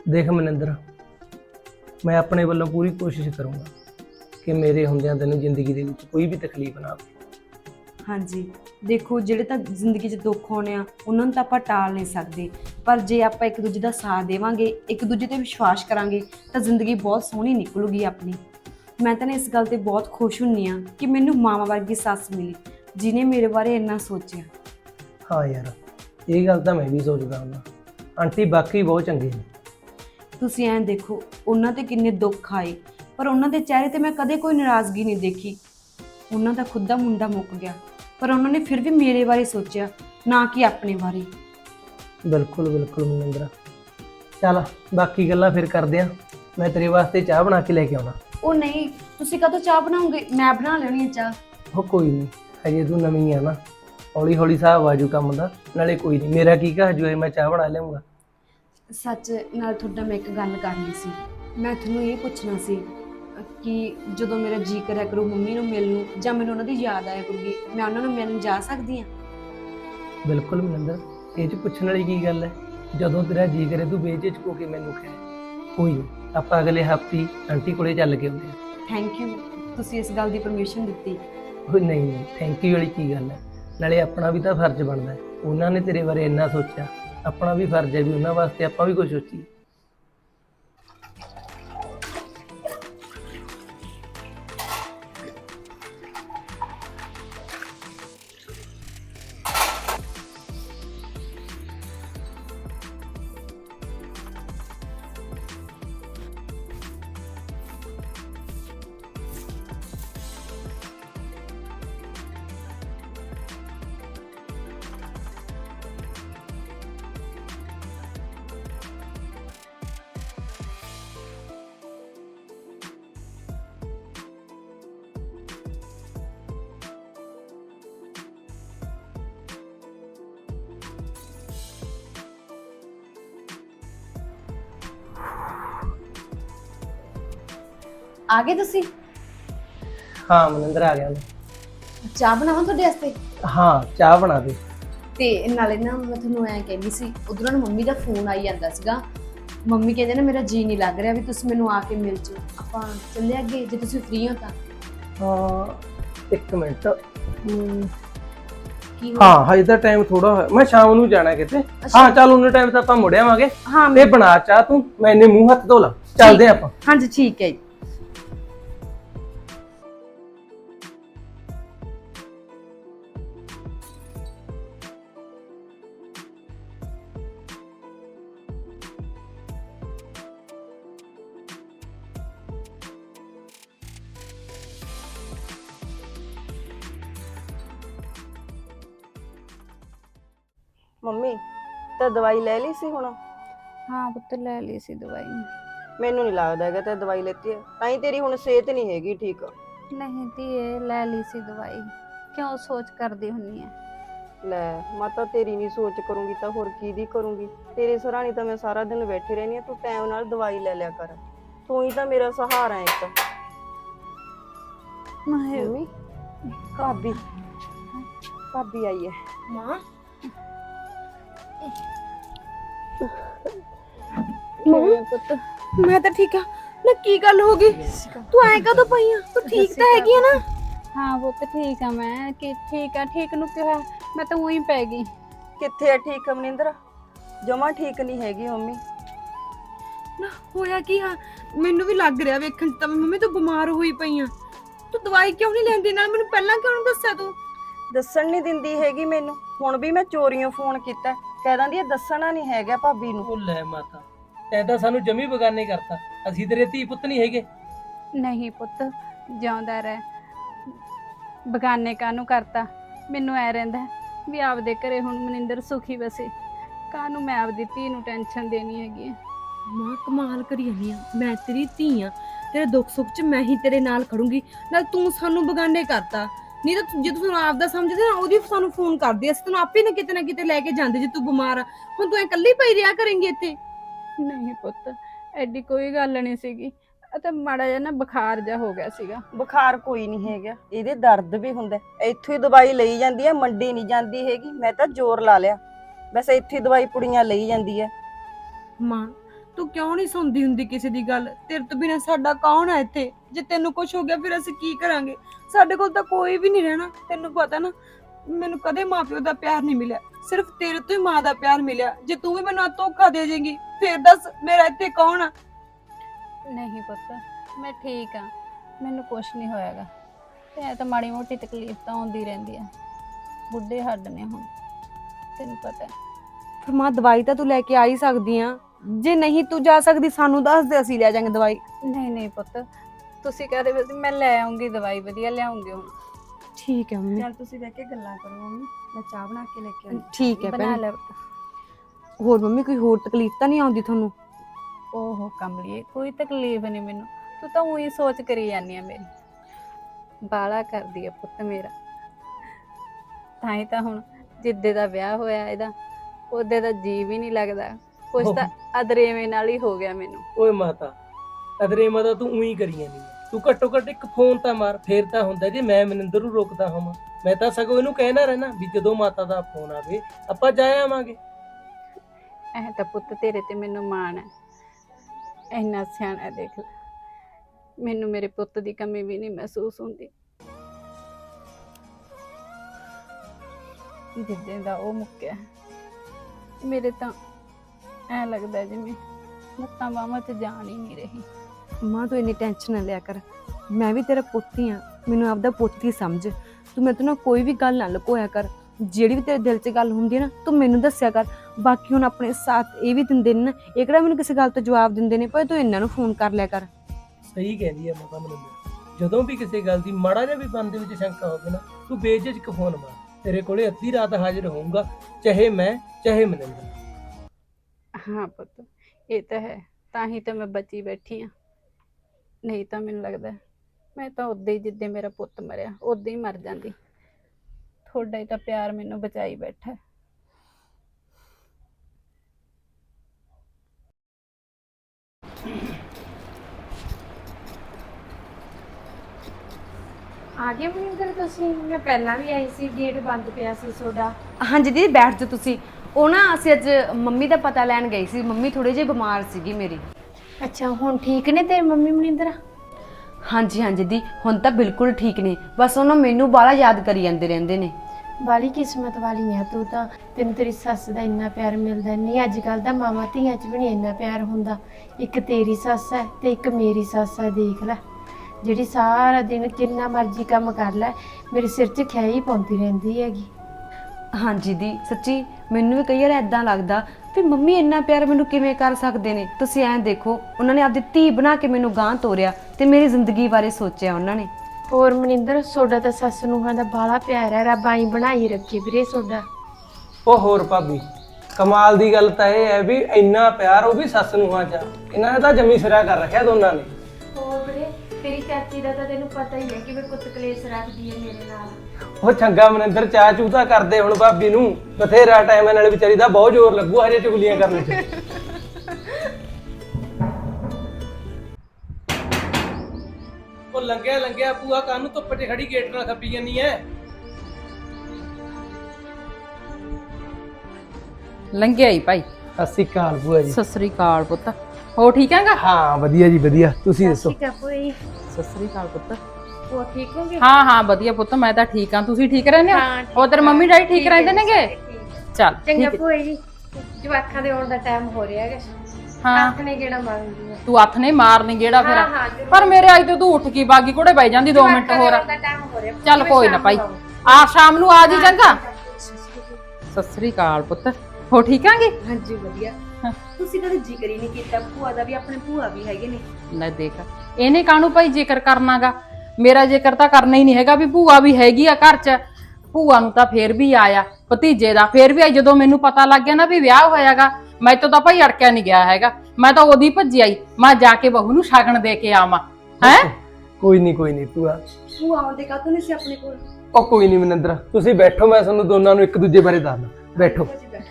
ਦੇਖ ਮਨਿੰਦਰ, ਮੈਂ ਆਪਣੇ ਵੱਲੋਂ ਪੂਰੀ ਕੋਸ਼ਿਸ਼ ਕਰੂੰਗਾ ਕਿ ਮੇਰੇ ਹੁੰਦਿਆਂ ਤੈਨੂੰ ਜ਼ਿੰਦਗੀ ਦੇ ਵਿੱਚ ਕੋਈ ਵੀ ਤਕਲੀਫ ਨਾ ਆਵੇ। ਹਾਂਜੀ, ਦੇਖੋ ਜਿਹੜੇ ਤਾਂ ਜ਼ਿੰਦਗੀ 'ਚ ਦੁੱਖ ਆਉਣੇ ਆ ਉਹਨਾਂ ਨੂੰ ਤਾਂ ਆਪਾਂ ਟਾਲ ਨਹੀਂ ਸਕਦੇ, ਪਰ ਜੇ ਆਪਾਂ ਇੱਕ ਦੂਜੇ ਦਾ ਸਾਥ ਦੇਵਾਂਗੇ, ਇੱਕ ਦੂਜੇ ਤੇ ਵਿਸ਼ਵਾਸ ਕਰਾਂਗੇ ਤਾਂ ਜ਼ਿੰਦਗੀ ਬਹੁਤ ਸੋਹਣੀ ਨਿਕਲੂਗੀ ਆਪਣੀ। ਮੈਂ ਤਾਂ ਇਸ ਗੱਲ ਤੇ ਬਹੁਤ ਖੁਸ਼ ਹੁੰਨੀ ਆ ਕਿ ਮੈਨੂੰ ਮਾਵਾਂ ਵਰਗੀ ਸੱਸ ਮਿਲੀ ਜਿਹਨੇ ਮੇਰੇ ਬਾਰੇ ਇੰਨਾ ਸੋਚਿਆ। ਹਾਂ ਯਾਰ, ਇਹ ਗੱਲ ਤਾਂ ਮੈਂ ਵੀ ਸੋਚਦਾ ਹੁੰਦਾ। ਆਂਟੀ ਬਾਕੀ ਬਹੁਤ ਚੰਗੇ ਨੇ। ਤੁਸੀਂ ਐਂ ਦੇਖੋ, ਉਹਨਾਂ ਤੇ ਕਿੰਨੇ ਦੁੱਖ ਆਏ, ਪਰ ਉਹਨਾਂ ਦੇ ਚਿਹਰੇ ਤੇ ਮੈਂ ਕਦੇ ਕੋਈ ਨਾਰਾਜ਼ਗੀ ਨਹੀਂ ਦੇਖੀ। ਉਹਨਾਂ ਦਾ ਖੁਦ ਦਾ ਮੁੰਡਾ ਮੁੱਕ ਗਿਆ, ਪਰ ਉਹਨਾਂ ਨੇ ਫਿਰ ਵੀ ਮੇਰੇ ਬਾਰੇ ਸੋਚਿਆ, ਨਾ ਕਿ ਆਪਣੇ ਬਾਰੇ। ਬਿਲਕੁਲ ਬਿਲਕੁਲ ਮਨਿੰਦਰ, ਚੱਲ ਬਾਕੀ ਗੱਲਾਂ ਫਿਰ ਕਰਦੇ ਆ। ਮੈਂ ਤੇਰੇ ਵਾਸਤੇ ਚਾਹ ਬਣਾ ਕੇ ਲੈ ਕੇ ਆਉਣਾ। ਉਹ ਨਹੀਂ, ਤੁਸੀਂ ਕਦੋਂ ਚਾਹ ਬਣਾਓਗੇ? ਮੈਂ ਬਣਾ ਲੈਣੀ ਹੈ ਚਾਹ। ਉਹ ਕੋਈ ਨਹੀਂ, ਹਜੇ ਤੂੰ ਨਵੀਂ ਆ ਨਾ, ਹੌਲੀ ਹੌਲੀ ਹਿਸਾਬ ਆਜੂ ਕੰਮ ਦਾ। ਨਾਲੇ ਕੋਈ ਨਹੀਂ, ਮੇਰਾ ਕੀ ਕਹਾਜੂ ਹੈ, ਮੈਂ ਚਾਹ ਬਣਾ ਲਿਆਉਂਗਾ। ਸੱਚ ਨਾਲ ਤੁਹਾਡਾ ਮੈਂ ਇੱਕ ਗੱਲ ਕਰਨੀ ਸੀ। ਮੈਂ ਤੁਹਾਨੂੰ ਇਹ ਪੁੱਛਣਾ ਸੀ ਕਿ ਜਦੋਂ ਮੇਰਾ ਜੀ ਕਰਿਆ ਕਰੂ ਮੰਮੀ ਨੂੰ ਮਿਲਣ ਨੂੰ, ਜਾਂ ਮੈਨੂੰ ਉਹਨਾਂ ਦੀ ਯਾਦ ਆਇਆ ਕਰੂਗੀ, ਮੈਂ ਉਹਨਾਂ ਨੂੰ ਮਿਲਣ ਜਾ ਸਕਦੀ ਹਾਂ? ਬਿਲਕੁਲ ਮਨਿੰਦਰ, ਇਹ 'ਚ ਪੁੱਛਣ ਵਾਲੀ ਕੀ ਗੱਲ ਹੈ? ਜਦੋਂ ਤੇਰਾ ਜੀ ਕਰੇ ਤੂੰ ਬੇਝਿਜਕ ਹੋ ਕੇ ਮੈਨੂੰ ਕਹਿ। ਕੋਈ ਨਹੀਂ, ਆਪਾਂ ਅਗਲੇ ਹਫ਼ਤੇ ਆਂਟੀ ਕੋਲੇ ਚੱਲ ਕੇ ਆਉਂਦੇ ਹਾਂ। ਥੈਂਕ ਯੂ, ਤੁਸੀਂ ਇਸ ਗੱਲ ਦੀ ਪਰਮਿਸ਼ਨ ਦਿੱਤੀ। ਉਹ ਨਹੀਂ ਨਹੀਂ, ਥੈਂਕ ਯੂ ਵਾਲੀ ਕੀ ਗੱਲ ਹੈ? ਨਾਲੇ ਆਪਣਾ ਵੀ ਤਾਂ ਫਰਜ਼ ਬਣਦਾ ਹੈ। ਉਹਨਾਂ ਨੇ ਤੇਰੇ ਬਾਰੇ ਇੰਨਾ ਸੋਚਿਆ, ਆਪਣਾ ਵੀ ਫਰਜ਼ ਹੈ ਵੀ ਉਹਨਾਂ ਵਾਸਤੇ ਆਪਾਂ ਵੀ ਕੁਝ ਸੋਚੀਏ। ਆ ਗਏ ਤੁਸੀਂ? ਹਾਂ ਮਨਿੰਦਰ, ਆ ਗਿਆ ਮੈਂ। ਚਾਹ ਬਣਾਵਾਂ ਤੁਹਾਡੇ ਵਾਸਤੇ? ਹਾਂ, ਚਾਹ ਬਣਾ ਦੇ। ਤੇ ਨਾਲੇ ਨਾ ਮੈਂ ਤੁਹਾਨੂੰ ਐਂ ਕਹਿੰਦੀ ਸੀ, ਉਧਰੋਂ ਨਾ ਮੰਮੀ ਦਾ ਫੋਨ ਆਈ ਜਾਂਦਾ ਸੀਗਾ। ਮੰਮੀ ਕਹਿੰਦੇ ਨਾ ਮੇਰਾ ਜੀ ਨਹੀਂ ਲੱਗ ਰਿਹਾ, ਵੀ ਤੁਸੀਂ ਮੈਨੂੰ ਆ ਕੇ ਮਿਲ ਜਾਓ। ਆਪਾਂ ਚੱਲੇ ਅੱਗੇ ਜੇ ਤੁਸੀਂ ਫ੍ਰੀ ਹੋ ਤਾਂ। ਹਾਂ, ਇੱਕ ਮਿੰਟ। ਕੀ ਹੋਇਆ? ਹਾਂ, ਹਜੇ ਤਾਂ ਟਾਈਮ ਥੋੜਾ ਹੋਇਆ, ਮੈਂ ਸ਼ਾਮ ਨੂੰ ਜਾਣਾ ਕਿਤੇ। ਅੱਛਾ। ਹਾਂ ਚੱਲ, ਉਹਨੇ ਟਾਈਮ ਤਾਂ ਆਪਾਂ ਮੁੜ ਆਵਾਂਗੇ। ਹਾਂ ਤੇ ਬਣਾ ਚਾਹ ਤੂੰ, ਮੈਂ ਇੰਨੇ ਮੂੰਹ ਹੱਥ ਧੋ ਲਾਂ, ਚੱਲਦੇ ਆਪਾਂ। ਹਾਂਜੀ ਠੀਕ ਹੈ ਜੀ। ਮੰਮੀ ਤਾਂ ਦਵਾਈ ਲੈ ਲਈ ਸੀ ਹੁਣ? ਹਾਂ ਪੁੱਤ, ਲੈ ਲਈ ਸੀ ਦਵਾਈ। ਮੈਨੂੰ ਨਹੀਂ ਲੱਗਦਾ ਹੈਗਾ ਤੇ ਦਵਾਈ ਲੈਤੀ ਹੈ, ਤਾਂ ਹੀ ਤੇਰੀ ਹੁਣ ਸਿਹਤ ਨਹੀਂ ਹੈਗੀ ਠੀਕ। ਨਹੀਂ ਧੀਏ, ਲੈ ਲਈ ਸੀ ਦਵਾਈ। ਕਿਉਂ ਸੋਚ ਕਰਦੀ ਹੁੰਨੀ ਐ? ਲੈ, ਮੈਂ ਤਾਂ ਤੇਰੀ ਨਹੀਂ ਸੋਚ ਕਰੂੰਗੀ ਤਾਂ ਹੋਰ ਕਿਹਦੀ ਕਰੂੰਗੀ? ਤੇਰੇ ਸਰਾਣੀ ਤਾਂ ਮੈਂ ਸਾਰਾ ਦਿਨ ਬੈਠੀ ਰਹਿੰਦੀ ਆ, ਤੂੰ ਟਾਈਮ ਨਾਲ ਦਵਾਈ ਲੈ ਲਿਆ ਕਰ। ਤੂੰ ਹੀ ਤਾਂ ਮੇਰਾ ਸਹਾਰਾ ਹੈ ਇੱਕ। ਮੰਮੀ, ਭਾਬੀ ਭਾਬੀ ਆਈ ਹੈ। ਮਾਂ ਕਿਵੇਂ ਪੁੱਤ? ਮੈਂ ਤਾਂ ਠੀਕ ਆ ਨਾ। ਕੀ ਗੱਲ ਹੋ ਗਈ? ਤੂੰ ਐਂ ਕਦੋਂ ਪਈ ਆ? ਤੂੰ ਠੀਕ ਤਾਂ ਹੈਗੀ ਆ ਨਾ? ਹਾਂ ਪੁੱਤ, ਠੀਕ ਆ ਮੈਂ। ਕਿ ਠੀਕ ਆ? ਠੀਕ ਨੂੰ ਕਿਹਾ, ਮੈਂ ਤਾਂ ਉਹੀ ਪੈ ਗਈ। ਕਿੱਥੇ ਹੈ ਠੀਕ ਮਨਿੰਦਰ? ਜਮਾ ਠੀਕ ਨਹੀਂ ਹੈਗੀ ਮੰਮੀ। ਨਾ ਹੋਇਆ ਕੀ? ਹਾਂ, ਮੈਨੂੰ ਵੀ ਲੱਗ ਰਿਹਾ ਵੇਖਣ ਚ ਤਾਂ ਮੰਮੀ ਤੂੰ ਬਿਮਾਰ ਹੋਈ ਪਈ ਆ। ਤੂੰ ਦਵਾਈ ਕਿਉਂ ਨਹੀਂ ਲੈਂਦੀ? ਨਾਲ ਮੈਨੂੰ ਪਹਿਲਾਂ ਕਿਉਂ ਨਹੀਂ ਦੱਸਿਆ ਤੂੰ? ਦੱਸਣ ਨਹੀਂ ਦਿੰਦੀ ਹੈਗੀ ਮੈਨੂੰ। ਹੁਣ ਵੀ ਮੈਂ ਚੋਰੀਆਂ ਫੋਨ ਕੀਤਾ, ਕਹਿ ਦਿੰਦੀ ਹੈ ਦੱਸਣਾ ਨਹੀਂ ਹੈਗਾ ਭਾਬੀ ਨੂੰ। ਉਹ ਲੈ ਮਾਤਾ, ਤੈਂ ਤਾਂ ਸਾਨੂੰ ਜਮੀ ਬਗਾਨੇ ਕਰਤਾ। ਅਸੀਂ ਤੇਰੇ ਧੀ ਪੁੱਤ ਨਹੀਂ ਹੈਗੇ। ਨਹੀਂ ਪੁੱਤ, ਜਿਉਂਦਾ ਰਹਿ। ਬਗਾਨੇ ਕਾਹਨੂੰ ਕਰਤਾ? ਮੈਨੂੰ ਐ ਰਹਿੰਦਾ ਵੀ ਆਪਦੇ ਘਰੇ ਹੁਣ ਮਨਿੰਦਰ ਸੁਖੀ ਵਸੇ। ਕਾਹਨੂੰ ਮੈਂ ਆਪਦੀ ਧੀ ਨੂੰ ਟੈਨਸ਼ਨ ਦੇਣੀ ਹੈਗੀ। ਮਾਂ ਕਮਾਲ ਕਰੀ ਜਾਂਦੀ ਆ। ਮੈਂ ਤੇਰੀ ਧੀ ਆ, ਤੇਰੇ ਦੁੱਖ ਸੁੱਖ 'ਚ ਮੈਂ ਹੀ ਤੇਰੇ ਨਾਲ ਖੜੂੰਗੀ। ਨਾਲ ਤੂੰ ਸਾਨੂੰ ਬਗਾਨੇ ਕਰਤਾ। ਨਹੀਂ ਤਾਂ ਜੇ ਤੂੰ ਆਪਦਾ ਸਮਝਦੇ ਨਾ, ਉਹਦੀ ਸਾਨੂੰ ਫੋਨ ਕਰਦੀ। ਅਸੀਂ ਤੈਨੂੰ ਆਪੇ ਨਾ ਕਿਤੇ ਲੈ ਕੇ ਜਾਂਦੇ ਜੇ ਤੂੰ ਬਿਮਾਰ ਆ। ਹੁਣ ਤੂੰ ਇਕੱਲੀ ਪਈ ਰਿਹਾ ਕਰੇਂਗੀ ਇੱਥੇ? ਨਹੀਂ ਪੁੱਤ, ਐਡੀ ਕੋਈ ਗੱਲ ਨਹੀਂ ਸੀਗੀ। ਤਾਂ ਮਾੜਾ ਜਿਹਾ ਨਾ ਬੁਖਾਰ ਜਿਹਾ ਹੋ ਗਿਆ ਸੀਗਾ। ਬੁਖਾਰ ਕੋਈ ਨਹੀਂ ਹੈਗਾ, ਇਹਦੇ ਦਰਦ ਵੀ ਹੁੰਦਾ। ਇੱਥੋਂ ਹੀ ਦਵਾਈ ਲਈ ਜਾਂਦੀ ਹੈ, ਮੰਡੀ ਨਹੀਂ ਜਾਂਦੀ ਹੈਗੀ। ਮੈਂ ਤਾਂ ਜ਼ੋਰ ਲਾ ਲਿਆ, ਬਸ ਇੱਥੇ ਦਵਾਈ ਪੁੜੀਆਂ ਲਈ ਜਾਂਦੀ ਹੈ। ਮਾਂ ਤੂੰ ਕਿਉਂ ਨਹੀਂ ਸੁਣਦੀ ਹੁੰਦੀ ਕਿਸੇ ਦੀ ਗੱਲ? ਤੇਰੇ ਤੋਂ ਬਿਨਾਂ ਸਾਡਾ ਕੌਣ ਹੈ ਇੱਥੇ? ਜੇ ਤੈਨੂੰ ਕੁਝ ਹੋ ਗਿਆ ਫਿਰ ਅਸੀਂ ਕੀ ਕਰਾਂਗੇ? ਸਾਡੇ ਕੋਲ ਤਾਂ ਕੋਈ ਵੀ ਨਹੀਂ ਰਹਿਣਾ। ਤੈਨੂੰ ਪਤਾ ਨਾ, ਮੈਨੂੰ ਕਦੇ ਮਾਪਿਓ ਦਾ ਪਿਆਰ ਨਹੀਂ ਮਿਲਿਆ, ਸਿਰਫ ਤੇਰੇ ਤੋਂ ਹੀ ਮਾਂ ਦਾ ਪਿਆਰ ਮਿਲਿਆ। ਜੇ ਤੂੰ ਵੀ ਮੈਨੂੰ ਆਹ ਧੋਖਾ ਦੇ ਜਾਏਂਗੀ ਫਿਰ ਦੱਸ ਮੇਰਾ ਇੱਥੇ ਕੌਣ ਆ? ਨਹੀਂ ਪੁੱਤ, ਮੈਂ ਠੀਕ ਆ, ਮੈਨੂੰ ਕੁਛ ਨਹੀਂ ਹੋਇਆਗਾ। ਤੇ ਐ ਤਾਂ ਮਾੜੀ ਮੋਟੀ ਤਕਲੀਫ ਤਾਂ ਆਉਂਦੀ ਰਹਿੰਦੀ ਆ, ਬੁੱਢੇ ਹੱਡ ਨੇ ਹੁਣ, ਤੈਨੂੰ ਪਤਾ ਹੈ। ਫਿਰ ਮਾਂ ਦਵਾਈ ਤਾਂ ਤੂੰ ਲੈ ਕੇ ਆ ਹੀ ਸਕਦੀ ਆ। ਜੇ ਨਹੀਂ ਤੂੰ ਜਾ ਸਕਦੀ ਸਾਨੂੰ ਦੱਸ ਦੇ, ਅਸੀਂ ਲੈ ਜਾਾਂਗੇ ਦਵਾਈ। ਨਹੀਂ ਨਹੀਂ ਪੁੱਤ, ਤੁਸੀਂ ਕਹਦੇ ਵੈਸੇ ਮੈਂ ਲੈ ਆਉਂਗੀ ਦਵਾਈ, ਵਧੀਆ ਲਿਆਉਂਗੀ ਹੁਣ। ਠੀਕ ਹੈ ਮੰਮੀ। ਚੱਲ ਤੁਸੀਂ ਬਹਿ ਕੇ ਗੱਲਾਂ ਕਰੋ ਮੰਮੀ, ਮੈਂ ਚਾਹ ਬਣਾ ਕੇ ਲੈ ਕੇ ਆਉਂਦੀ। ਠੀਕ ਹੈ ਬਣਾ ਭੈਣ। ਲੈ ਪੁੱਤ। ਹੋਰ ਮੰਮੀ ਕੋਈ ਹੋਰ ਤਕਲੀਫ ਤਾਂ ਨਹੀਂ ਆਉਂਦੀ ਤੁਹਾਨੂੰ? ਓਹੋ ਕਮਲੀਏ, ਕੋਈ ਤਕਲੀਫ ਨਹੀਂ ਮੈਨੂੰ, ਤੂੰ ਤਾਂ ਉਹੀ ਸੋਚ ਕਰੀ ਜਾਂਦੀ ਆ ਮੇਰੀ। ਬਾਲਾ ਕਰਦੀ ਆ ਪੁੱਤ ਮੇਰਾ, ਤਾਂ ਹੀ ਤਾਂ ਹੁਣ ਜਿੱਦੇ ਦਾ ਵਿਆਹ ਹੋਇਆ ਇਹਦਾ, ਉਹਦੇ ਦਾ ਜੀ ਵੀ ਨਹੀਂ ਲੱਗਦਾ। ਕੁਛ ਤਾਂ ਅਦਰੇਵੇਂ ਨਾਲ ਹੀ ਹੋ ਗਿਆ ਮੈਨੂੰ। ਓਏ ਮਾਤਾ, ਅਦਰੇ ਮਾਤਾ ਤੂੰ ਉਹੀ ਕਰੀਆਂ ਨਹੀਂ, ਤੂੰ ਘੱਟੋ ਘੱਟ ਇੱਕ ਫੋਨ ਤਾਂ ਮਾਰ, ਫੇਰ ਤਾਂ ਹੁੰਦਾ ਜੇ ਮੈਂ ਮਨਿੰਦਰ ਨੂੰ ਰੋਕਦਾ ਹੋਵਾਂ। ਮੈਂ ਤਾਂ ਸਗੋਂ ਇਹਨੂੰ ਕਹਿਣਾ ਰਹਿਣਾ ਵੀ ਜਦੋਂ ਮਾਤਾ ਦਾ ਫੋਨ ਆਵੇ ਆਪਾਂ ਜਾ ਆਵਾਂਗੇ। ਐ ਤਾਂ ਪੁੱਤ ਤੇਰੇ ਤੇ ਮੈਨੂੰ ਮਾਣ ਹੈ, ਇੰਨਾ ਸਿਆਣਾ ਦੇਖ ਲੈ, ਮੈਨੂੰ ਮੇਰੇ ਪੁੱਤ ਦੀ ਕਮੀ ਵੀ ਨਹੀਂ ਮਹਿਸੂਸ ਹੁੰਦੀ। ਜਿੱਦਾਂ ਦਾ ਉਹ ਮੁੱਕਿਆ, ਮੇਰੇ ਤਾਂ ਐ ਲੱਗਦਾ ਜਿਵੇਂ ਲੱਤਾਂ ਬਾਹਾਂ 'ਚ ਜਾਨ ਹੀ ਨਹੀਂ ਰਹੀ। ਮਾਂ ਤੂੰ ਇੰਨੀ ਟੈਨਸ਼ਨ ਨਾ ਲਿਆ ਕਰ, ਮੈਂ ਵੀ ਤੇਰਾ ਪੁੱਤ ਹੀ ਆ, ਮੈਨੂੰ ਆਪਦਾ ਪੁੱਤ ਹੀ ਸਮਝ। ਤੂੰ ਮੇਰੇ ਤੋਂ ਨਾ ਕੋਈ ਵੀ ਗੱਲ ਨਾ ਲੁਕੋਇਆ ਕਰ, ਜਿਹੜੀ ਵੀ ਤੇਰੇ ਦਿਲ 'ਚ ਗੱਲ ਹੁੰਦੀ ਹੈ ਨਾ ਤੂੰ ਮੈਨੂੰ ਦੱਸਿਆ ਕਰ। ਬਾਕੀ ਹੁਣ ਆਪਣੇ ਸਾਥ ਇਹ ਵੀ ਦਿੰਦੇ ਨੇ ਨਾ, ਇਹ ਕਿਹੜਾ ਮੈਨੂੰ ਕਿਸੇ ਗੱਲ ਤੋਂ ਜਵਾਬ ਦਿੰਦੇ ਨੇ, ਪਰ ਤੂੰ ਇਹਨਾਂ ਨੂੰ ਫੋਨ ਕਰ ਲਿਆ ਕਰ। ਸਹੀ ਕਹਿੰਦੀ ਆ ਮਾਤਾ ਮਨਿੰਦਰ, ਜਦੋਂ ਵੀ ਕਿਸੇ ਗੱਲ ਦੀ ਮਾੜਾ ਜਿਹਾ ਵੀ ਮਨ ਦੇ ਵਿੱਚ ਸ਼ੰਕਾ ਹੋਵੇ ਨਾ, ਤੂੰ ਬੇਝਿਜਕ ਫੋਨ ਮਾਰ, ਤੇਰੇ ਕੋਲੇ ਅੱਧੀ ਰਾਤ ਹਾਜ਼ਰ ਹੋਊਂਗਾ, ਚਾਹੇ ਮੈਂ ਚਾਹੇ ਮਨਿੰਦਰ। ਹਾਂ ਪੁੱਤ, ਇਹ ਤਾਂ ਹੈ, ਤਾਂ ਹੀ ਤਾਂ ਮੈਂ ਬਚੀ ਬੈਠੀ ਆ। ਨਹੀਂ ਤਾਂ ਮੈਨੂੰ ਲੱਗਦਾ ਮੈਂ ਤਾਂ ਉਦੋਂ ਹੀ, ਜਿੱਦੇ ਮੇਰਾ ਪੁੱਤ ਮਰਿਆ ਉਦੋਂ ਹੀ ਮਰ ਜਾਂਦੀ। ਤੁਹਾਡਾ ਹੀ ਤਾਂ ਪਿਆਰ ਮੈਨੂੰ ਬਚਾਈ ਬੈਠਾ। ਆ ਗਏ ਮਨਿੰਦਰ ਤੁਸੀਂ? ਮੈਂ ਪਹਿਲਾਂ ਵੀ ਆਈ ਸੀ, ਗੇਟ ਬੰਦ ਪਿਆ ਸੀ ਤੁਹਾਡਾ। ਹਾਂਜੀ ਦੀਦੀ ਬੈਠ ਜਾਓ ਤੁਸੀਂ। ਉਹ ਨਾ ਅਸੀਂ ਅੱਜ ਮੰਮੀ ਦਾ ਪਤਾ ਲੈਣ ਗਈ ਸੀ, ਮੰਮੀ ਥੋੜੇ ਜਿਹੇ ਬਿਮਾਰ ਸੀਗੀ ਮੇਰੀ। ਅੱਛਾ, ਹੁਣ ਠੀਕ ਨੇ ਤੇਰੀ ਮੰਮੀ ਮਨਿੰਦਰ? ਹਾਂਜੀ ਹਾਂਜੀ ਦੀ, ਹੁਣ ਤਾਂ ਬਿਲਕੁਲ ਠੀਕ ਨੇ, ਬਸ ਉਹਨਾਂ ਮੈਨੂੰ ਬਾਹਲਾ ਯਾਦ ਕਰੀ ਜਾਂਦੇ ਰਹਿੰਦੇ ਨੇ। ਬਾਲੀ ਕਿਸਮਤ ਵਾਲੀ ਆ ਤੂੰ ਤਾਂ, ਤੈਨੂੰ ਤੇਰੀ ਸੱਸ ਦਾ ਇੰਨਾ ਪਿਆਰ ਮਿਲਦਾ ਨਹੀਂ। ਅੱਜ ਕੱਲ ਦਾ ਮਾਵਾਂ ਧੀਆਂ 'ਚ ਵੀ ਨਹੀਂ ਇੰਨਾ ਪਿਆਰ ਹੁੰਦਾ। ਇੱਕ ਤੇਰੀ ਸੱਸ ਹੈ ਤੇ ਇੱਕ ਮੇਰੀ ਸੱਸ ਹੈ, ਦੇਖ ਲੈ, ਜਿਹੜੀ ਸਾਰਾ ਦਿਨ ਜਿੰਨਾ ਮਰਜ਼ੀ ਕੰਮ ਕਰ ਲੈ ਮੇਰੇ ਸਿਰ 'ਚ ਖਿਆ ਹੀ ਪਾਉਂਦੀ ਰਹਿੰਦੀ ਹੈਗੀ। ਹਾਂਜੀ ਦੀ, ਸੱਚੀ ਮੈਨੂੰ ਵੀ ਕਈ ਵਾਰ ਐਦਾਂ ਲੱਗਦਾ ਵੀ ਮੰਮੀ ਇੰਨਾ ਪਿਆਰ ਮੈਨੂੰ ਕਿਵੇਂ ਕਰ ਸਕਦੇ ਨੇ। ਤੁਸੀਂ ਐਂ ਦੇਖੋ, ਉਹਨਾਂ ਨੇ ਆਪਦੀ ਧੀ ਬਣਾ ਕੇ ਮੈਨੂੰ ਗਾਂਹ ਤੋਰਿਆ ਤੇ ਮੇਰੀ ਜ਼ਿੰਦਗੀ ਬਾਰੇ ਸੋਚਿਆ ਉਹਨਾਂ ਨੇ। ਹੋਰ ਮਨਿੰਦਰ, ਸੋਡਾ ਤਾਂ ਸੱਸ ਨੂੰਹਾਂ ਦਾ ਬਾਲਾ ਪਿਆਰ ਹੈ, ਰੱਬ ਆਈ ਬਣਾਈ ਰੱਖੇ ਵੀਰੇ ਸੋਡਾ। ਉਹ ਹੋਰ ਭਾਬੀ, ਕਮਾਲ ਦੀ ਗੱਲ ਤਾਂ ਇਹ ਹੈ ਵੀ ਇੰਨਾ ਪਿਆਰ ਉਹ ਵੀ ਸੱਸ ਨੂੰ ਚ, ਇਹਨਾਂ ਨੇ ਤਾਂ ਜੰਮੀ ਸਿਰਾ ਕਰ ਰੱਖਿਆ ਦੋਨਾਂ ਨੇ। ਹੋਰ ਵੀਰੇ, ਤੇਰੀ ਚਾਚੀ ਦਾ ਤਾਂ ਤੈਨੂੰ ਪਤਾ ਹੀ ਹੈ ਕਿ ਮੈਂ ਕੁੱਤ ਕਲੇਸ਼ ਰੱਖਦੀ ਹੈ ਮੇਰੇ ਨਾਲ। ਉਹ ਚੰਗਾ ਮਨਿੰਦਰ, ਚਾਹ ਚੂਹ ਤਾਂ ਕਰਦੇ ਹੁਣ ਭਾਬੀ ਨੂੰ, ਬਥੇਰਾ ਟਾਈਮ ਨਾਲ ਵਿਚਾਰੀ ਦਾ ਬਹੁਤ ਜ਼ੋਰ ਲੱਗੂ ਹਜੇ ਚੁਗਲੀਆਂ ਕਰਨ 'ਚ। ਉਹ ਲੰਘਿਆ ਲੰਘਿਆ ਭੂਆ, ਕਾਹਨੂੰ ਧੁੱਪ 'ਚ ਖੜੀ ਗੇਟ ਨਾਲ ਖੱਪੀ ਜਾਨੀ ਐ? ਲੰਘਿਆ ਹੀ ਭਾਈ। ਸਤਿ ਸ਼੍ਰੀ ਅਕਾਲ ਭੂਆ ਜੀ। ਸਤਿ ਸ੍ਰੀ ਅਕਾਲ ਪੁੱਤ, ਹੋ ਠੀਕ ਹੈਗਾ? ਹਾਂ ਵਧੀਆ ਜੀ ਵਧੀਆ, ਤੁਸੀਂ ਦੱਸੋ? ਸਤਿ ਸ੍ਰੀ ਅਕਾਲ ਪੁੱਤ। ਉਹ ਠੀਕ ਹੋਗੇ? ਹਾਂ ਹਾਂ ਵਧੀਆ ਪੁੱਤ, ਮੈਂ ਤਾਂ ਠੀਕ ਹਾਂ, ਤੁਸੀਂ ਠੀਕ ਰਹਿੰਦੇ ਹੋ? ਹਾਂ, ਠੀਕ ਉਧਰ ਮੰਮੀ ਡੈਡੀ ਠੀਕ ਰਹਿੰਦੇ ਨੇਗੇ? ਚੱਲ ਚੰਗਾ ਠੀਕ ਹੈ। ਭੂਆ ਜੀ, ਜਵਾਕਾਂ ਦੇ ਆਉਣ ਦਾ ਟਾਈਮ ਹੋ ਰਿਹਾ ਹੈਗਾ। ਹਾਂ ਹੱਥ ਨੇ ਗੇੜਾ ਮਾਰਦੀ ਹੈ। ਤੂੰ ਹੱਥ ਨਹੀਂ ਮਾਰਨੀ ਗੇੜਾ ਫਿਰ। ਹਾਂ, ਹਾਂ, ਜ਼ਰੂਰ। ਪਰ ਮੇਰੇ ਅੱਜ ਤੋਂ ਤੂੰ ਉੱਠ ਗਈ ਬਾਗੀ ਕੋੜੇ ਬੈ ਜਾਂਦੀ 2 ਮਿੰਟ ਜਵਾਕਾਂ ਦੇ ਹੋਰ। ਆਉਣ ਦਾ ਟਾਈਮ ਹੋ ਰਿਹਾ। ਚੱਲ ਕੋਈ ਨਾ ਭਾਈ, ਆ ਸ਼ਾਮ ਨੂੰ ਆ ਜੀ ਚੰਗਾ। ਸਤਿ ਸ੍ਰੀ ਅਕਾਲ ਪੁੱਤ, ਹੋ ਠੀਕ ਆਂਗੇ? ਹਾਂਜੀ ਵਧੀਆ। ਤੁਸੀਂ ਕਦੇ ਜ਼ਿਕਰ ਹੀ ਨਹੀਂ ਕੀਤਾ ਭੂਆ ਦਾ, ਵੀ ਆਪਣੇ ਭੂਆ ਵੀ ਹੈਗੇ ਨੇ। ਲੈ ਦੇਖ, ਇਹਨੇ ਕਾਹਨੂੰ ਭਾਈ ਜ਼ਿਕਰ ਕਰਨਾਗਾ, ਮੇਰਾ ਜ਼ਿਕਰ ਤਾਂ ਕਰਨਾ ਹੀ ਨਹੀਂ ਹੈਗਾ ਵੀ ਭੂਆ ਵੀ ਹੈਗੀ ਆ ਘਰ 'ਚ। ਭੂਆ ਨੂੰ ਤਾਂ ਫੇਰ ਵੀ ਆਇਆ, ਭਤੀਜੇ ਦਾ ਫੇਰ ਵੀ ਆਈ। ਜਦੋਂ ਮੈਨੂੰ ਪਤਾ ਲੱਗ ਗਿਆ ਨਾ ਵੀ ਵਿਆਹ ਹੋਇਆਗਾ, ਮੈਂ ਤਾਂ ਭਾਈ ਅੜਕਿਆ ਨਹੀਂ ਗਿਆ ਹੈਗਾ, ਮੈਂ ਤਾਂ ਉਹਦੀ ਭੱਜੀ ਆਈ, ਮੈਂ ਜਾ ਕੇ ਬਹੂ ਨੂੰ ਸ਼ਗਨ ਦੇ ਕੇ ਆਵਾਂ। ਹੈ ਕੋਈ ਨਹੀਂ ਭੂਆ। ਭੂਆ ਆਉਂਦੇ ਕਾਹਤੋਂ ਨਹੀਂ ਸੀ ਆਪਣੇ ਕੋਲ? ਉਹ ਕੋਈ ਨਹੀਂ ਮਨਿੰਦਰ, ਤੁਸੀਂ ਬੈਠੋ, ਮੈਂ ਤੁਹਾਨੂੰ ਦੋਨਾਂ ਨੂੰ ਇੱਕ ਦੂਜੇ ਬਾਰੇ ਦੱਸਦਾ। ਬੈਠੋ।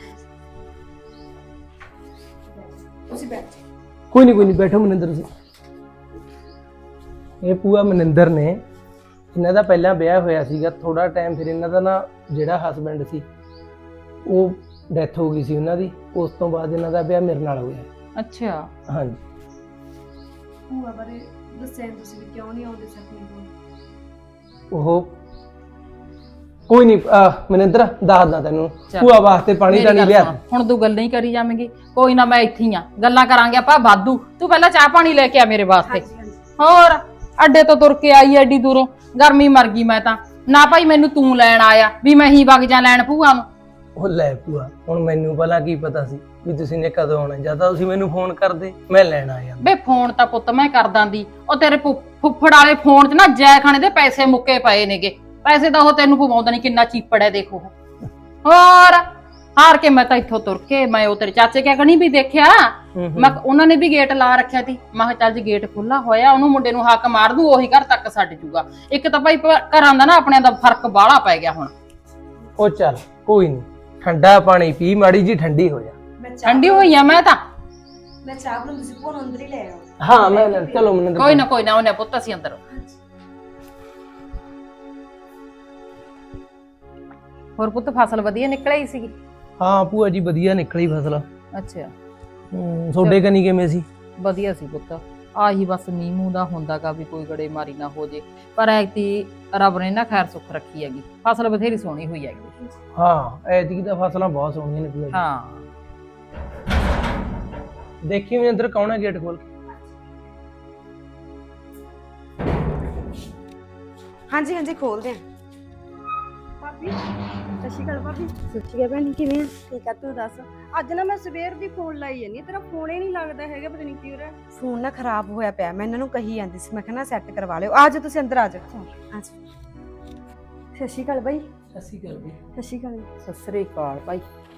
ਤੁਸੀਂ ਬੈਠ। ਕੋਈ ਨਹੀਂ ਬੈਠੋ ਮਨਿੰਦਰ ਤੁਸੀਂ। ਇਹ ਭੂਆ ਮਨਿੰਦਰ ਨੇ, ਇਹਨਾਂ ਦਾ ਪਹਿਲਾਂ ਵਿਆਹ ਹੋਇਆ ਸੀਗਾ, ਥੋੜਾ ਟਾਈਮ ਫਿਰ ਇਹਨਾਂ ਦਾ ਨਾ ਜਿਹੜਾ ਹਸਬੈਂਡ ਸੀ ਉਹ ਡੈਥ ਹੋ ਗਈ ਸੀ ਉਹਨਾਂ ਦੀ। ਉਸ ਤੋਂ ਬਾਅਦ ਇਹਨਾਂ ਦਾ ਵਿਆਹ ਮੇਰੇ ਨਾਲ ਹੋਇਆ। ਅੱਛਾ ਹਾਂਜੀ। ਭੂਆ ਬਾਰੇ ਦੱਸਿਆ ਨੀ ਤੁਸੀਂ ਵੀ ਕਿਉਂ ਨਹੀਂ ਆਉਂਦੇ ਸਕਨੇ ਕੋਲ। ਉਹ ਕੋਈ ਨਹੀਂ ਮਨਿੰਦਰ ਦੱਸਦਾ ਤੈਨੂੰ। ਚੱਲ। ਭੂਆ ਵਾਸਤੇ ਪਾਣੀ ਮੇਰੀ ਤਾਂ ਨਹੀਂ ਗੱਲ ਲਿਆ। ਸੁਣ, ਹੁਣ ਤੂੰ ਗੱਲਾਂ ਹੀ ਕਰੀ ਜਾਵੇਂਗੀ। ਕੋਈ ਨਾ, ਮੈਂ ਇੱਥੇ ਹੀ ਆ, ਗੱਲਾਂ ਕਰਾਂਗੇ ਆਪਾਂ ਵਾਧੂ। ਤੂੰ ਪਹਿਲਾਂ ਚਾਹ ਪਾਣੀ ਲੈ ਕੇ ਆ ਮੇਰੇ ਵਾਸਤੇ। ਹੋਰ ਅੱਡੇ ਤੋਂ ਤੁਰ ਕੇ ਆਈ ਐਡੀ ਦੂਰੋਂ, ਗਰਮੀ ਮਰ ਗਈ ਮੈਂ ਤਾਂ। ਨਾ ਭਾਈ ਮੈਨੂੰ ਤੂੰ ਲੈਣ ਆਇਆ ਵੀ ਮੈਂ ਹੀ ਵਗ ਜਾ ਲੈਣ ਭੂਆ ਨੂੰ। ਉਹ ਲੈ ਭੂਆ, ਹੁਣ ਮੈਨੂੰ ਭਲਾ ਕੀ ਪਤਾ ਸੀ ਵੀ ਤੁਸੀਂ ਨੇ ਕਦੋਂ ਆਉਣਾ? ਜਾਂ ਤਾਂ ਤੁਸੀਂ ਮੈਨੂੰ ਫੋਨ ਕਰਦੇ, ਮੈਂ ਲੈਣ ਆ ਜਾਂਦਾ। ਬੇ ਫੋਨ ਤਾਂ ਪੁੱਤ ਮੈਂ ਕਰ ਦਾਂਦੀ। ਉਹ ਤੇਰੇ ਫੁੱਫੜ ਵਾਲੇ ਫੋਨ 'ਚ ਨਾ ਜੈ ਖਾਣੇ ਦੇ ਪੈਸੇ ਮੁੱਕੇ ਪਏ ਨੇਗੇ। ਪੈਸੇ ਤਾਂ ਉਹ ਤੈਨੂੰ ਪਵਾਉਂਦਾ ਨਹੀਂ, ਕਿੰਨਾ ਚੀਪੜ ਹੈ ਦੇਖੋ। ਹੋਰ ਹਾਰ ਕੇ ਮੈਂ ਤਾਂ ਇੱਥੋਂ ਤੁਰ ਕੇ ਮੈਂ ਉਹ ਤੇਰੇ ਚਾਚੇ ਕਿਆ ਕਣੀ ਵੀ ਦੇਖਿਆ। ਮੈਂ ਉਹਨਾਂ ਨੇ ਵੀ ਗੇਟ ਲਾ ਰੱਖਿਆ ਸੀ। ਮੈਂ ਕਿਹਾ ਚੱਲ ਜੇ ਗੇਟ ਖੁੱਲਾ ਹੋਇਆ ਉਹਨੂੰ ਮੁੰਡੇ ਨੂੰ ਹੱਕ ਮਾਰ ਦੂ, ਉਹੀ ਘਰ ਤੱਕ ਛੱਡ ਜੂਗਾ। ਇੱਕ ਤਾਂ ਭਾਈ ਘਰਾਂ ਦਾ ਨਾ ਆਪਣਿਆਂ ਦਾ ਫਰਕ ਬਾਹਲਾ ਪੈ ਗਿਆ ਹੁਣ। ਉਹ ਚੱਲ ਕੋਈ ਨਹੀਂ, ਠੰਡਾ ਪਾਣੀ ਪੀ, ਮਾੜੀ ਜੀ ਠੰਡੀ ਹੋ ਜਾ। ਠੰਡੀ ਹੋਈ ਆ ਮੈਂ ਤਾਂ। ਮੈਂ ਚਾਹ ਬਣਾਉਂਦੀ ਸੀ, ਭੂਆ ਨੂੰ ਅੰਦਰ ਹੀ ਲੈ ਆਓ। ਹਾਂ ਮੈਂ ਚਲੋ ਮਨਿੰਦਰ। ਕੋਈ ਨਾ ਉਹਨੇ ਪੁੱਤ ਅਸੀਂ ਅੰਦਰ। ਹੋਰ ਪੁੱਤ ਫਸਲ ਵਧੀਆ ਨਿਕਲੀ ਸੀਗੀ? ਹਾਂ ਭੂਆ ਜੀ ਵਧੀਆ ਨਿਕਲੀ ਫਸਲ। ਅੱਛਾ ਤੁਹਾਡੇ ਕਨੀ ਕਿਵੇਂ ਸੀ? ਵਧੀਆ ਸੀ ਪੁੱਤ। ਆਹੀ ਬਸ ਮੀਂਹ ਮੂੰਹ ਦਾ ਹੁੰਦਾਗਾ ਵੀ ਕੋਈ ਗੜੇ ਮਾਰੀ ਨਾ ਹੋ ਜੇ। ਪਰ ਐਤੀ ਰੱਬ ਨੇ ਨਾ ਖੈਰ ਸੁੱਖ ਰੱਖੀ ਹੈਗੀ, ਫਸਲ ਬਥੇਰੀ ਸੋਹਣੀ ਹੋਈ ਹੈਗੀ। ਹਾਂ ਐਤਕੀ ਤਾਂ ਫਸਲਾਂ ਬਹੁਤ ਸੋਹਣੀਆਂ ਨੇ ਭੂਆ ਜੀ। ਹਾਂ ਦੇਖੀ ਮਨਿੰਦਰ ਕੌਣ ਹੈ ਗੇਟ ਖੋਲ ਕੇ? ਹਾਂਜੀ ਹਾਂਜੀ ਖੋਲਦੇ ਆ। ਭਾਬੀ ਸਤਿ ਸ਼੍ਰੀ ਅਕਾਲ। ਭਾਬੀ ਸਤਿ ਸ਼੍ਰੀ ਅਕਾਲ ਭੈਣ, ਕਿਵੇਂ ਆ? ਠੀਕ ਆ, ਤੂੰ ਦੱਸ। ਅੱਜ ਨਾ ਮੈਂ ਸਵੇਰ ਦੀ ਫੋਨ ਲਾਈ ਜਾਂਦੀ, ਤੇਰਾ ਫੋਨ ਹੀ ਨਹੀਂ ਲੱਗਦਾ ਹੈਗਾ, ਪਤਾ ਨਹੀਂ ਕੀ ਹੋ ਰਿਹਾ। ਫੋਨ ਨਾ ਖਰਾਬ ਹੋਇਆ ਪਿਆ, ਮੈਂ ਇਹਨਾਂ ਨੂੰ ਕਹੀ ਜਾਂਦੀ ਸੀ, ਮੈਂ ਕਿਹਾ ਨਾ ਸੈੱਟ ਕਰਵਾ ਲਿਓ। ਆ ਜਾਓ ਤੁਸੀਂ ਅੰਦਰ ਆ ਜਾਓ। ਸਤਿ ਸ਼੍ਰੀ ਅਕਾਲ ਬਾਈ। ਅਸੀਂ ਕਰ ਵੀ ਸਤਿ ਸ਼੍ਰੀ ਅਕਾਲ। ਸਤਿ ਸ੍ਰੀ ਅਕਾਲ ਭਾਈ।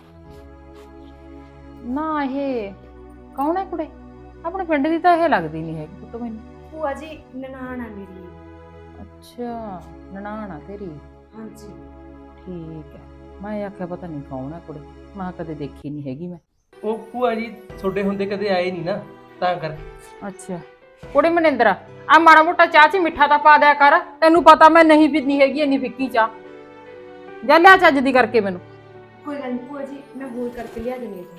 ਨਾ ਇਹ ਕੌਣ ਹੈ ਕੁੜੇ? ਆਪਣੇ ਪਿੰਡ ਦੀ ਤਾਂ ਇਹ ਲੱਗਦੀ ਨਹੀਂ ਹੈਗੀ ਪੁੱਤ ਮੈਨੂੰ। ਭੂਆ ਜੀ ਨਨਾਣ ਆ ਮੇਰੀ। ਅੱਛਾ ਨਨਾਣ ਆ ਤੇਰੀ? ਹਾਂਜੀ ਠੀਕ ਹੈ। ਮੈਂ ਆਖਿਆ ਪਤਾ ਨਹੀਂ ਕੌਣ ਹੈ ਕੁੜੇ, ਮੈਂ ਕਦੇ ਦੇਖੀ ਨਹੀਂ ਹੈਗੀ ਮੈਂ। ਉਹ ਭੂਆ ਜੀ ਤੁਹਾਡੇ ਹੁੰਦੇ ਕਦੇ ਆਏ ਨਹੀਂ ਨਾ, ਤਾਂ ਕਰਕੇ। ਅੱਛਾ ਕੁੜੇ ਮਨਿੰਦਰ, ਆ ਮਾੜਾ ਮੋਟਾ ਚਾਹ 'ਚ ਮਿੱਠਾ ਤਾਂ ਪਾ ਦਿਆ ਕਰ। ਤੈਨੂੰ ਪਤਾ ਮੈਂ ਨਹੀਂ ਪੀਂਦੀ ਹੈਗੀ ਇੰਨੀ ਫਿੱਕੀ ਚਾਹ। ਜਾ ਲਿਆ ਚੱਜ ਦੀ ਕਰਕੇ ਮੈਨੂੰ। ਕੋਈ ਗੱਲ ਨਹੀਂ ਭੂਆ ਜੀ, ਮੈਂ ਹੋਰ ਕਰਕੇ ਲਿਆ ਦਿੰਦੀ ਹਾਂ।